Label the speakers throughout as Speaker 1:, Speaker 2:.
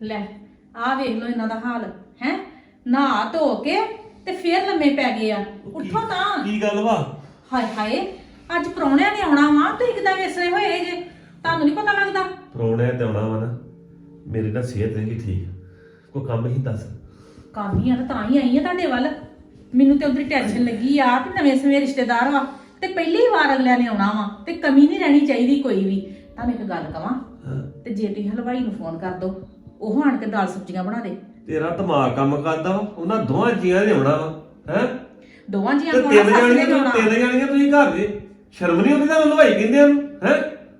Speaker 1: ਲੈ ਆ ਵੇਖ ਲੋ ਇਹਨਾਂ ਦਾ ਹਾਲ ਹੈ। ਨਹਾ ਧੋ ਕੇ ਤੇ ਫੇਰ ਲੰਮੇ ਪੈ ਗਏ ਆ। ਉੱਠੋ ਤਾਂ।
Speaker 2: ਕੀ ਗੱਲ ਵਾ?
Speaker 1: ਹਾਏ ਹਾਏ ਅੱਜ ਪ੍ਰਾਹੁਣਿਆਂ ਨੇ ਆਉਣਾ ਵਾ ਤੇ ਕਿਦਾਂ ਵੇਸਲੇ ਹੋਏ ਜੇ, ਤੁਹਾਨੂੰ ਨਹੀਂ ਪਤਾ ਲੱਗਦਾ?
Speaker 2: ਪ੍ਰਾਹੁਣਿਆਂ ਤੇ ਆਉਣਾ ਵਾ ਨਾ, ਮੇਰੀ ਨਾ ਸਿਹਤ ਨਹੀਂ ਠੀਕ, ਕੋਈ ਕੰਮ ਹੀ ਦੱਸ।
Speaker 1: ਕੰਮ ਹੀ ਆ ਤਾਂ ਹੀ ਆਈ ਆ ਤੁਹਾਡੇ ਵੱਲ। ਮੈਨੂੰ ਤੇ ਉਧਰ ਟੈਨਸ਼ਨ ਲੱਗੀ ਆ ਕਿ ਨਵੇਂ ਸਮੇਂ ਰਿਸ਼ਤੇਦਾਰ ਵਾ ਤੇ ਪਹਿਲੀ ਵਾਰ ਅਗਲਿਆਂ ਨੇ ਆਉਣਾ ਵਾ ਤੇ ਕਮੀ ਨਹੀਂ ਰਹਿਣੀ ਚਾਹੀਦੀ ਕੋਈ ਵੀ। ਤੁਹਾਨੂੰ ਇੱਕ ਗੱਲ ਕਵਾਂ, ਤੇ ਜੇ ਤੁਸੀਂ ਹਲਵਾਈ ਨੂੰ ਫੋਨ ਕਰ ਦੋ, ਉਹ ਆਣ ਕੇ ਦਾਲ ਸਬਜ਼ੀਆਂ ਬਣਾ ਦੇ।
Speaker 2: ਤੇਰਾ ਦਿਮਾਗ ਕੰਮ ਕਰਦਾ ਵਾ, ਉਹਨਾਂ ਦੋਵਾਂ ਜੀਆਂ ਨੇ ਆਉਣਾ ਵਾ ਹੈ।
Speaker 1: ਦੋਵਾਂ ਜੀਆਂ
Speaker 2: ਤੇ
Speaker 1: ਨੂੰ
Speaker 2: ਤਿੰਨ ਜਾਣੀਆਂ ਤੁਸੀਂ ਘਰ ਦੇ, ਸ਼ਰਮ ਨਹੀਂ ਆਉਂਦੀ ਤੁਹਾਨੂੰ ਹਲਵਾਈ ਕਹਿੰਦੇ ਆ ਹੈ?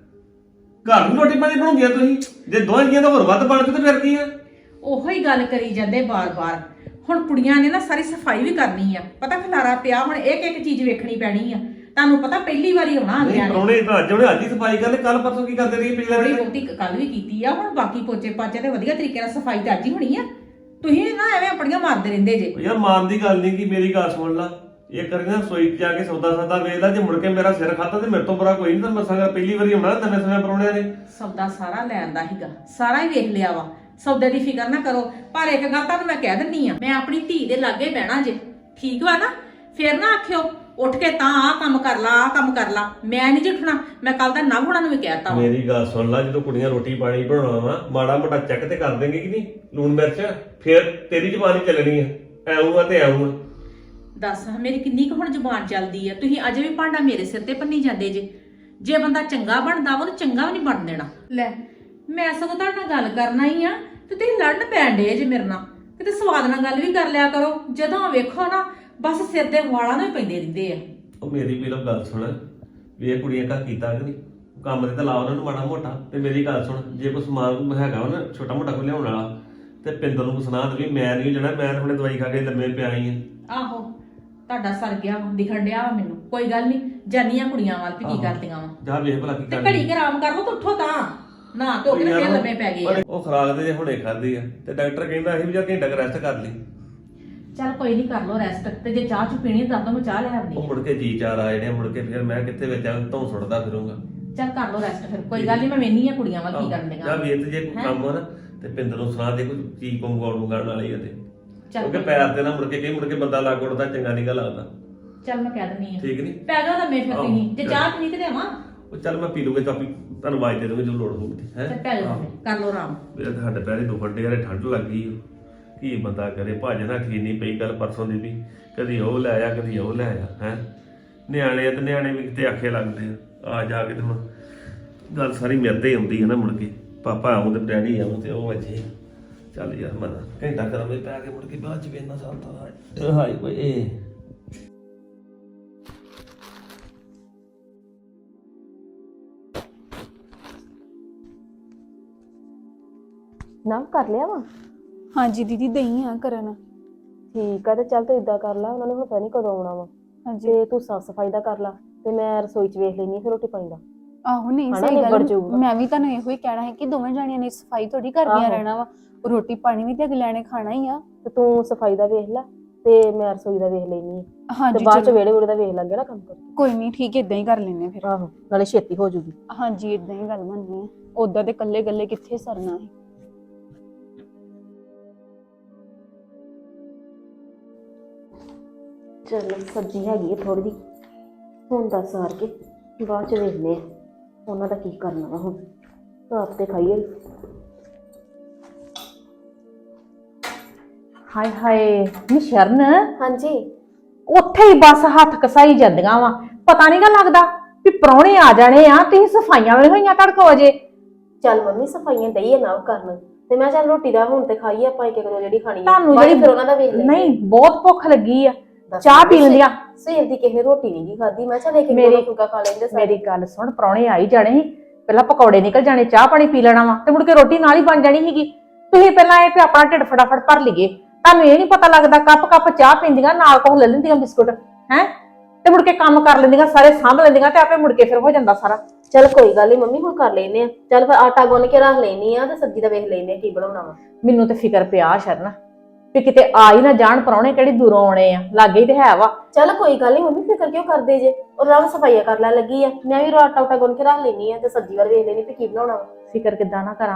Speaker 2: ਘਰ ਨੂੰ ਰੋਟੀ ਪਾਣੀ ਬਣਾਉਂਦੀਆਂ ਤੁਸੀਂ, ਜੇ ਦੋਵਾਂ ਜੀਆਂ ਦਾ ਹੋਰ ਵੱਧ ਬਣ ਕੇ ਤੇ ਫਿਰ ਕੀ ਆ?
Speaker 1: ਉਹੋ ਹੀ ਗੱਲ ਕਰੀ ਜਾਂਦੇ ਬਾਰ-ਬਾਰ। ਹੁਣ ਕੁੜੀਆਂ ਨੇ ਨਾ ਸਾਰੀ ਸਫਾਈ ਵੀ ਕਰਨੀ ਆ, ਪਤਾ ਖਲਾਰਾ ਪਿਆ, ਹੁਣ ਇੱਕ ਚੀਜ਼ ਵੇਖਣੀ ਪੈਣੀ ਆ। ਤੁਹਾਨੂੰ ਪਤਾ ਪਹਿਲੀ ਵਾਰੀ ਆਉਣਾ ਅਗਲਿਆਂ ਨੇ।
Speaker 2: ਪ੍ਰਾਹੁਣੇ ਤਾਂ ਅੱਜ ਹੀ ਸਫਾਈ ਕਰ ਲੈ, ਕੱਲ ਪਰਸੋਂ ਕੀ ਕਰਦੇ ਰਹੀ ਪਿਛਲੇ
Speaker 1: ਥੋੜੀ
Speaker 2: ਦਿਨ?
Speaker 1: ਬਹੁਤੀ ਕੱਲ ਵੀ ਕੀਤੀ ਆ, ਹੁਣ ਬਾਕੀ ਪੋਚੇ ਪਾਚੇ ਤੇ ਵਧੀਆ ਤਰੀਕੇ ਨਾਲ ਸਫਾਈ ਤਾਂ ਅੱਜ ਹੀ ਹੋਣੀ ਆ। ਤੁਸੀਂ ਨਾ ਐਵੇਂ ਆਪਣੀਆਂ ਮਾਰਦੇ ਰਹਿੰਦੇ ਜੇ।
Speaker 2: ਯਾਰ ਮਾਨ ਦੀ ਗੱਲ ਨਹੀਂ, ਕਿ ਮੇਰੀ ਗੱਲ ਸੁਣ ਲਾ, ਇਹ ਕਰੀ ਨਾ ਰਸੋਈ 'ਚ ਜਾ ਕੇ ਸੌਦਾ ਵੇਚ ਲੈ, ਜੇ ਮੁੜ ਕੇ ਮੇਰਾ ਸਿਰ ਖਾਤਾ ਤੇ ਮੇਰੇ ਤੋਂ ਬੁਰਾ ਕੋਈ ਨਹੀਂ। ਤਾਂ ਮਸਾਂ ਪਹਿਲੀ ਵਾਰੀ ਆਉਣਾ ਨਵੇਂ ਸਮੇਂ ਪ੍ਰਾਹੁਣਿਆਂ ਨੇ।
Speaker 1: ਸੌਦਾ ਸਾਰਾ ਲੈਣ ਦਾ ਹੀਗਾ, ਸਾਰਾ ਹੀ ਵੇਖ ਲਿਆ ਵਾ, ਸੌਦੇ ਦੀ ਫਿਕਰ ਨਾ ਕਰੋ। ਪਰ ਇੱਕ ਗੱਲ ਤੁਹਾਨੂੰ ਮੈਂ ਕਹਿ ਦਿੰਨੀ ਆ, ਮੈਂ ਆਪਣੀ ਧੀ ਦੇ ਲਾਗੇ ਬਹਿਣਾ ਜੇ, ਠੀਕ ਵਾ ਨਾ? ਫੇਰ ਨਾ ਆਖਿਓ ਉੱਠ ਕੇ ਤਾਂ ਆਹ ਕੰਮ ਕਰ ਲਾ, ਆਹ ਕੰਮ ਕਰ ਲਾ। ਮੈਂ ਨਹੀਂ ਜਿੱਠਣਾ, ਮੈਂ ਕੱਲ ਦਾ ਨਵ ਹੋਣਾ ਨੂੰ ਵੀ ਕਹਿਤਾ ਵਾ।
Speaker 2: ਮੇਰੀ ਗੱਲ ਸੁਣ ਲਾ, ਜਦੋਂ ਕੁੜੀਆਂ ਰੋਟੀ ਪਾਣੀ ਬਣਾਉਣਾ ਵਾ, ਮਾੜਾ ਮੋਟਾ ਚੈੱਕ ਤੇ ਕਰ ਦੇਂਗੇ ਕਿ ਨਹੀਂ, ਲੂਣ ਮਿਰਚ, ਫੇਰ ਤੇਰੀ ਜ਼ੁਬਾਨ ਹੀ ਚੱਲਣੀ ਆ, ਐਉਂ ਆ ਤੇ ਐਉਂ ਆ।
Speaker 1: ਦੱਸ ਮੇਰੀ ਕਿੰਨੀ ਕੁ ਹੁਣ ਜ਼ੁਬਾਨ ਚੱਲਦੀ ਆ? ਤੁਸੀਂ ਅਜੇ ਵੀ ਭਾਂਡਾ ਮੇਰੇ ਸਿਰ ਤੇ ਭੰਨੀ ਜਾਂਦੇ ਜੇ ਬੰਦਾ ਚੰਗਾ ਬਣਦਾ ਵਾ ਉਹਨੂੰ ਚੰਗਾ ਵੀ ਨਹੀਂ ਬਣ ਦੇਣਾ। ਲੈ ਮੈਂ ਸਗੋਂ ਤੁਹਾਡੇ ਨਾਲ ਗੱਲ ਕਰਨਾ ਹੀ ਆ ਤੇ ਤੁਸੀਂ ਲੜਨ ਪੈਣ ਡੇ ਜੇ ਮੇਰੇ ਨਾਲ। ਕਿਤੇ ਸਵਾਦ ਨਾਲ ਗੱਲ ਵੀ ਕਰ ਲਿਆ ਕਰੋ। ਜਦੋਂ ਵੇਖੋ ਨਾ ਬਸ ਸਿਰ ਦੇ ਵਾਲਾਂ ਨੂੰ ਹੀ ਪੈਂਦੇ ਰਹਿੰਦੇ ਆ।
Speaker 2: ਉਹ ਮੇਰੀ ਵੀ ਗੱਲ ਸੁਣ, ਵੀ ਇਹ ਕੁੜੀਆਂ ਘਰ ਕੀਤਾ ਕਿ ਨਹੀਂ ਕੰਮ ਤੇ ਲਾ ਉਹਨਾਂ ਨੂੰ ਮਾੜਾ ਮੋਟਾ। ਤੇ ਮੇਰੀ ਗੱਲ ਸੁਣ, ਜੇ ਕੋਈ ਸਮਾਨ ਹੈਗਾ ਵਾ ਨਾ ਛੋਟਾ ਮੋਟਾ ਕੋਈ ਲਿਆਉਣ ਵਾਲਾ, ਤੇ ਪਿੰਦਰ ਨੂੰ ਸੁਣਾ ਦੇ ਵੀ ਮੈਂ ਨਹੀਂ ਜਾਣਾ, ਮੈਂ ਹੁਣੇ ਦਵਾਈ ਖਾ ਕੇ ਲੰਮੇ ਪਿਆ ਹੀ ਆ।
Speaker 1: ਆਹੋ ਤੁਹਾਡਾ ਸਰ ਗਿਆ ਦਿਖਣ ਡਿਆ ਵਾ ਮੈਨੂੰ। ਕੋਈ ਗੱਲ ਨਹੀਂ, ਜਾਨੀਆਂ ਕੁੜੀਆਂ ਵੱਲ ਵੀ ਕੀ ਕਰਦੀਆਂ ਵਾ।
Speaker 2: ਜਾ ਵੇਖ ਭਲਾ ਕੀ
Speaker 1: ਤੇ
Speaker 2: ਕਰਦੀ।
Speaker 1: ਘੜੀ ਆਰਾਮ ਕਰ ਲਓ ਤੇ ਉੱਠੋ ਤਾਂ। ਨਾ ਧੋ ਕੇ ਫੇਰ ਲੰਮੇ ਪੈ ਗਏ ਆ।
Speaker 2: ਉਹ ਖੁਰਾਕ ਤੇ ਜੇ ਹੁਣੇ ਖਾਧੀ ਆ, ਤੇ ਡਾਕਟਰ ਕਹਿੰਦਾ ਸੀ ਵੀ ਜਾ ਘੰਟਾ ਕੁ ਰੈਸਟ ਕਰ ਲਈ।
Speaker 1: ਚੱਲ ਕੋਈ ਨਹੀਂ, ਕਰ ਲੋ ਰੈਸਟ। ਤੇ ਜੇ ਚਾਹ ਚੁ ਪੀਣੀ ਤਾਂ ਮੈਂ ਚਾਹ ਲੈ ਆਉਂਦੀ।
Speaker 2: ਉਹ ਮੁੜ ਕੇ ਜੀ ਚਾਰ ਆ ਜਿਹੜੇ, ਮੁੜ ਕੇ ਫਿਰ ਮੈਂ ਕਿੱਥੇ ਵਿੱਚ ਧੌਂ ਸੁੱਟਦਾ ਫਿਰੂੰਗਾ।
Speaker 1: ਚੱਲ ਕਰ ਲੋ ਰੈਸਟ ਫਿਰ, ਕੋਈ ਗੱਲ ਨਹੀਂ। ਮੈਂ ਵੇਹਨੀ ਆ ਕੁੜੀਆਂ ਵੱਲ ਕੀ ਕਰਨ ਦੀਆਂ।
Speaker 2: ਜਾ ਵੇਖ, ਜੇ ਕੋਈ ਕੰਮ ਹੋ ਨਾ ਤੇ ਪਿੰਦਰ ਨੂੰ ਸੁਣਾ ਦੇ, ਕੋਈ ਚੀਜ਼ ਮੰਗਾਉਣ ਵਾਲੀ ਆ ਤੇ।
Speaker 1: ਚੱਲ
Speaker 2: ਕਿਉਂਕਿ ਪੈਰ ਤੇ ਨਾ ਮੁੜ ਕੇ ਮੁੜ ਕੇ ਬੰਦਾ ਲੱਗ ਉੱਠਦਾ ਚੰਗਾ ਨਹੀਂ ਗਾ ਲੱਗਦਾ।
Speaker 1: ਚੱਲ ਮੈਂ ਕਹਿ ਦਿੰਨੀ ਆ,
Speaker 2: ਠੀਕ ਨਹੀਂ?
Speaker 1: ਪੈ ਜਾ ਲੰਮੇ ਫਿਰ ਤੁਸੀਂ। ਜੇ ਚਾਹ ਪੀਣੀ ਤੇ ਦੇਵਾਂ?
Speaker 2: ਉਹ ਚੱਲ ਮੈਂ ਪੀ ਲੂੰਗਾ, ਚਾਪੀ ਤੁਹਾਨੂੰ ਆਵਾਜ਼ ਦੇ ਦੂੰਗਾ ਜਦੋਂ ਲੋੜ ਹੋਊਗੀ। ਹੈ
Speaker 1: ਚੱਲ ਪੈ ਜਾ, ਕਰ ਲੋ ਆਰਾਮ।
Speaker 2: ਮੇਰੇ ਸਾਡੇ ਪੈਰੇ ਦੁਖਣ ਡੇ ਯਾਰ, ਠੰਡ ਲੱਗ ਗਈ। ਕੀ ਬੰਦਾ ਕਰੇ, ਭੱਜ ਨਾ ਠੀਕ ਨਹੀਂ ਪਈ ਗੱਲ ਪਰਸੋਂ ਦੀ ਵੀ, ਕਦੀ ਉਹ ਲੈ ਆ ਕਦੀ ਉਹ ਲੈ ਆ। ਹੈ ਨਿਆਣੇ ਆ ਤੇ ਨਿਆਣੇ ਵੀ ਕਿਤੇ ਆਖੇ ਲੱਗਦੇ ਆ ਜਾ ਕੇ। ਤੇ ਹੁਣ ਗੱਲ ਸਾਰੀ ਮੇਰੇ ਤੇ ਆਉਂਦੀ ਹੈ ਨਾ, ਮੁੜ ਕੇ ਪਾਪਾ ਆਉਂ ਤੇ ਡੈਡੀ ਆਉਂ ਤੇ ਉਹ ਵਜੇ। ਚੱਲ ਯਾਰ ਮੈਂ ਘੰਟਾ ਕਰਾਂ ਵੀ ਪੈ ਕੇ ਮੁੜ ਕੇ ਬਾਅਦ ਚ ਵੇਨਾ ਸਾਲਤਾ ਹਾਈ ਕੋਈ ਇਹ
Speaker 3: ਨਾ ਕਰ ਲਿਆ ਵਾ।
Speaker 4: ਹਾਂਜੀ ਦੀਦੀ ਦਈ ਆ ਕਰਨ।
Speaker 3: ਠੀਕ ਆ, ਤੇ ਚੱਲ ਤੂੰ ਇਦਾਂ ਕਰ ਲਾ, ਉਹਨਾਂ ਨੇ ਪਤਾ ਨਹੀਂ ਕਦੋਂ ਆਉਣਾ ਵਾ।
Speaker 4: ਹਾਂਜੀ
Speaker 3: ਤੇ ਤੂੰ ਸਾਫ ਸਫਾਈ ਦਾ ਕਰ ਲਾ, ਤੇ ਮੈਂ ਰਸੋਈ 'ਚ ਵੇਖ ਲੈਣੀ ਫਿਰ ਰੋਟੀ ਪਾਣੀ ਦਾ।
Speaker 4: ਆਹੋ ਨਹੀਂ
Speaker 3: ਹਨਾ,
Speaker 4: ਸਹੀ
Speaker 3: ਨਿਬੜ
Speaker 4: ਗੱਲ।
Speaker 3: ਜਾਊਗਾ।
Speaker 4: ਮੈਂ ਵੀ ਤੁਹਾਨੂੰ ਇਹੋ ਹੀ ਕਹਿਣਾ ਹੈ ਕਿ ਦੋਵੇਂ ਜਾਣੀਆਂ ਨੇ ਸਫਾਈ ਥੋੜੀ ਕਰਦੀਆਂ ਰਹਿਣਾ ਵਾ, ਰੋਟੀ ਪਾਣੀ ਵੀ ਤੇ ਅਗਲਿਆਂ ਨੇ ਖਾਣਾ ਹੀ ਆ।
Speaker 3: ਤੇ ਤੂੰ ਸਫਾਈ ਦਾ ਵੇਖ ਲੈ ਤੇ ਮੈਂ ਰਸੋਈ ਦਾ ਵੇਖ ਲੈਣੀ ਆ।
Speaker 4: ਹਾਂਜੀ
Speaker 3: ਤੇ ਬਾਅਦ 'ਚ ਵਿਹੜੇ ਵੂੜੇ ਦਾ ਵੇਖ ਲਾਂਗੇ ਨਾ ਕੰਮ ਕਰ।
Speaker 4: ਕੋਈ ਨਹੀਂ, ਠੀਕ ਇਦਾਂ ਹੀ ਕਰ ਲੈਨੇ ਫਿਰ।
Speaker 3: ਆਹੋ, ਨਾਲੇ ਛੇਤੀ ਹੋ ਜੂਗੀ।
Speaker 4: ਹਾਂਜੀ ਇਦਾਂ ਹੀ ਗੱਲ ਬਣਨੀ ਹੈ, ਉਦਾਂ ਤੇ ਕੱਲੇ ਕੱਲੇ ਕਿੱਥੇ ਸਰਨਾ ਹੈ।
Speaker 3: ਚਲ ਸਬਜ਼ੀ ਹੈਗੀ ਹੈ ਥੋੜੀ ਜਿਹੀ, ਹੁਣ ਦੱਸ ਸਾਰ ਕੇ ਬਾਅਦ 'ਚ ਵੇਖਦੇ ਆ ਉਹਨਾਂ ਦਾ ਕੀ ਕਰਨਾ ਵਾ। ਹੁਣ ਆਪ ਤੇ ਖਾਈਏ।
Speaker 1: ਹਾਏ ਹਾਏ ਨੀ ਸ਼ਰਨ,
Speaker 3: ਹਾਂਜੀ
Speaker 1: ਉੱਥੇ ਹੀ ਬਸ ਹੱਥ ਕਸਾਈ ਜਾਂਦੀਆਂ ਵਾ। ਪਤਾ ਨਹੀਂ ਗਾ ਲੱਗਦਾ ਵੀ ਪ੍ਰਾਹੁਣੇ ਆ ਜਾਣੇ ਆ, ਤੁਸੀਂ ਸਫਾਈਆਂ ਵੇਲੇ ਹੋਈਆਂ ਤੜਕੋ ਵਜੇ।
Speaker 3: ਚੱਲ ਮੰਮੀ ਸਫਾਈਆਂ ਦਈਏ ਨਾ ਕਰਨ, ਤੇ ਮੈਂ ਚੱਲ ਰੋਟੀ ਦਾ ਹੁਣ ਤੇ ਖਾਈਏ ਆਪਾਂ ਇੱਕ ਦੋ ਜਿਹੜੀ ਖਾਣੀ ਆ।
Speaker 1: ਤੁਹਾਨੂੰ
Speaker 3: ਬਾਅਦ 'ਚ
Speaker 1: ਜਿਹੜੀ
Speaker 3: ਫਿਰ ਉਹਨਾਂ ਦਾ ਵੇਖ ਲੈਂਦੇ।
Speaker 1: ਨਹੀਂ ਬਹੁਤ ਭੁੱਖ ਲੱਗੀ ਆ, ਚਾਹ ਪੀ ਲੈਂਦੀਆਂ।
Speaker 3: ਸਵੇਰ ਦੀ ਕਿਸੇ ਰੋਟੀ ਨਹੀਂ ਖਾਦੀ, ਮੈਂ ਚੱਲ ਇੱਕ ਫੁਲਕਾ ਖਾ ਲੈਂਦੇ ਸਾਰੇ।
Speaker 1: ਮੇਰੀ ਗੱਲ ਸੁਣ, ਪ੍ਰਾਹੁਣੇ ਆਈ ਜਾਣੇ ਸੀ, ਪਹਿਲਾਂ ਪਕੌੜੇ ਨਿਕਲ ਜਾਣੇ, ਚਾਹ ਪਾਣੀ ਪੀ ਲੈਣਾ ਵਾ, ਤੇ ਮੁੜ ਕੇ ਰੋਟੀ ਨਾਲ ਹੀ ਬਣ ਜਾਣੀ ਸੀਗੀ। ਤੁਸੀਂ ਪਹਿਲਾਂ ਇਹ ਤੇ ਆਪਣਾ ਢਿੱਡ ਫਟਾਫਟ ਭਰ ਲਈਏ। ਤੁਹਾਨੂੰ ਇਹ ਨਹੀਂ ਪਤਾ ਲੱਗਦਾ, ਕੱਪ ਚਾਹ ਪੀਂਦੀਆਂ ਨਾਲ ਕੋਲ ਲੈ ਲੈਂਦੀਆਂ ਬਿਸਕੁਟ, ਹੈ ਤੇ ਮੁੜ ਕੇ ਕੰਮ ਕਰ ਲੈਂਦੀਆਂ, ਸਾਰੇ ਸਾਂਭ ਲੈਂਦੀਆਂ, ਤੇ ਆਪੇ ਮੁੜ ਕੇ ਫਿਰ ਹੋ ਜਾਂਦਾ ਸਾਰਾ।
Speaker 3: ਚੱਲ ਕੋਈ ਗੱਲ ਨਹੀਂ ਮੰਮੀ, ਹੁਣ ਕਰ ਲੈਨੇ ਆ। ਚੱਲ ਫਿਰ ਆਟਾ ਗੁੰਨ ਕੇ ਰੱਖ ਲੈਣੀ ਆ, ਤੇ ਸਬਜ਼ੀ ਦਾ ਵੇਖ ਲੈਨੇ ਆ ਕੀ ਬਣਾਉਣਾ ਵਾ।
Speaker 1: ਮੈਨੂੰ ਤੇ ਫਿਕਰ ਪਿਆ ਸ਼ਰਨ ਵੀ ਕਿਤੇ ਆ ਹੀ ਨਾ ਜਾਣ ਪ੍ਰਾਹੁਣੇ, ਕਿਹੜੀ ਦੂਰੋਂ ਆਉਣੇ ਆ, ਲਾਗੇ ਹੀ ਤੇ ਹੈ ਵਾ।
Speaker 3: ਚੱਲ ਕੋਈ ਗੱਲ ਨਹੀਂ ਮੰਮੀ, ਫਿਕਰ ਕਿਉਂ ਕਰਦੇ ਜੇ, ਉਹ ਰਾਮ ਸਫਾਈਆਂ ਕਰ ਲੈ ਲੱਗੀ ਆ। ਮੈਂ ਵੀ ਆਟਾ ਗੁੰਨ ਕੇ ਰੱਖ ਲੈਣੀ ਆ, ਤੇ ਸਬਜ਼ੀ ਵਾਰ ਵੇਖ ਲੈਣੀ ਤੇ ਕੀ ਬਣਾਉਣਾ ਵਾ।
Speaker 1: ਫਿਕਰ ਕਿੱਦਾਂ ਨਾ ਕਰਾਂ,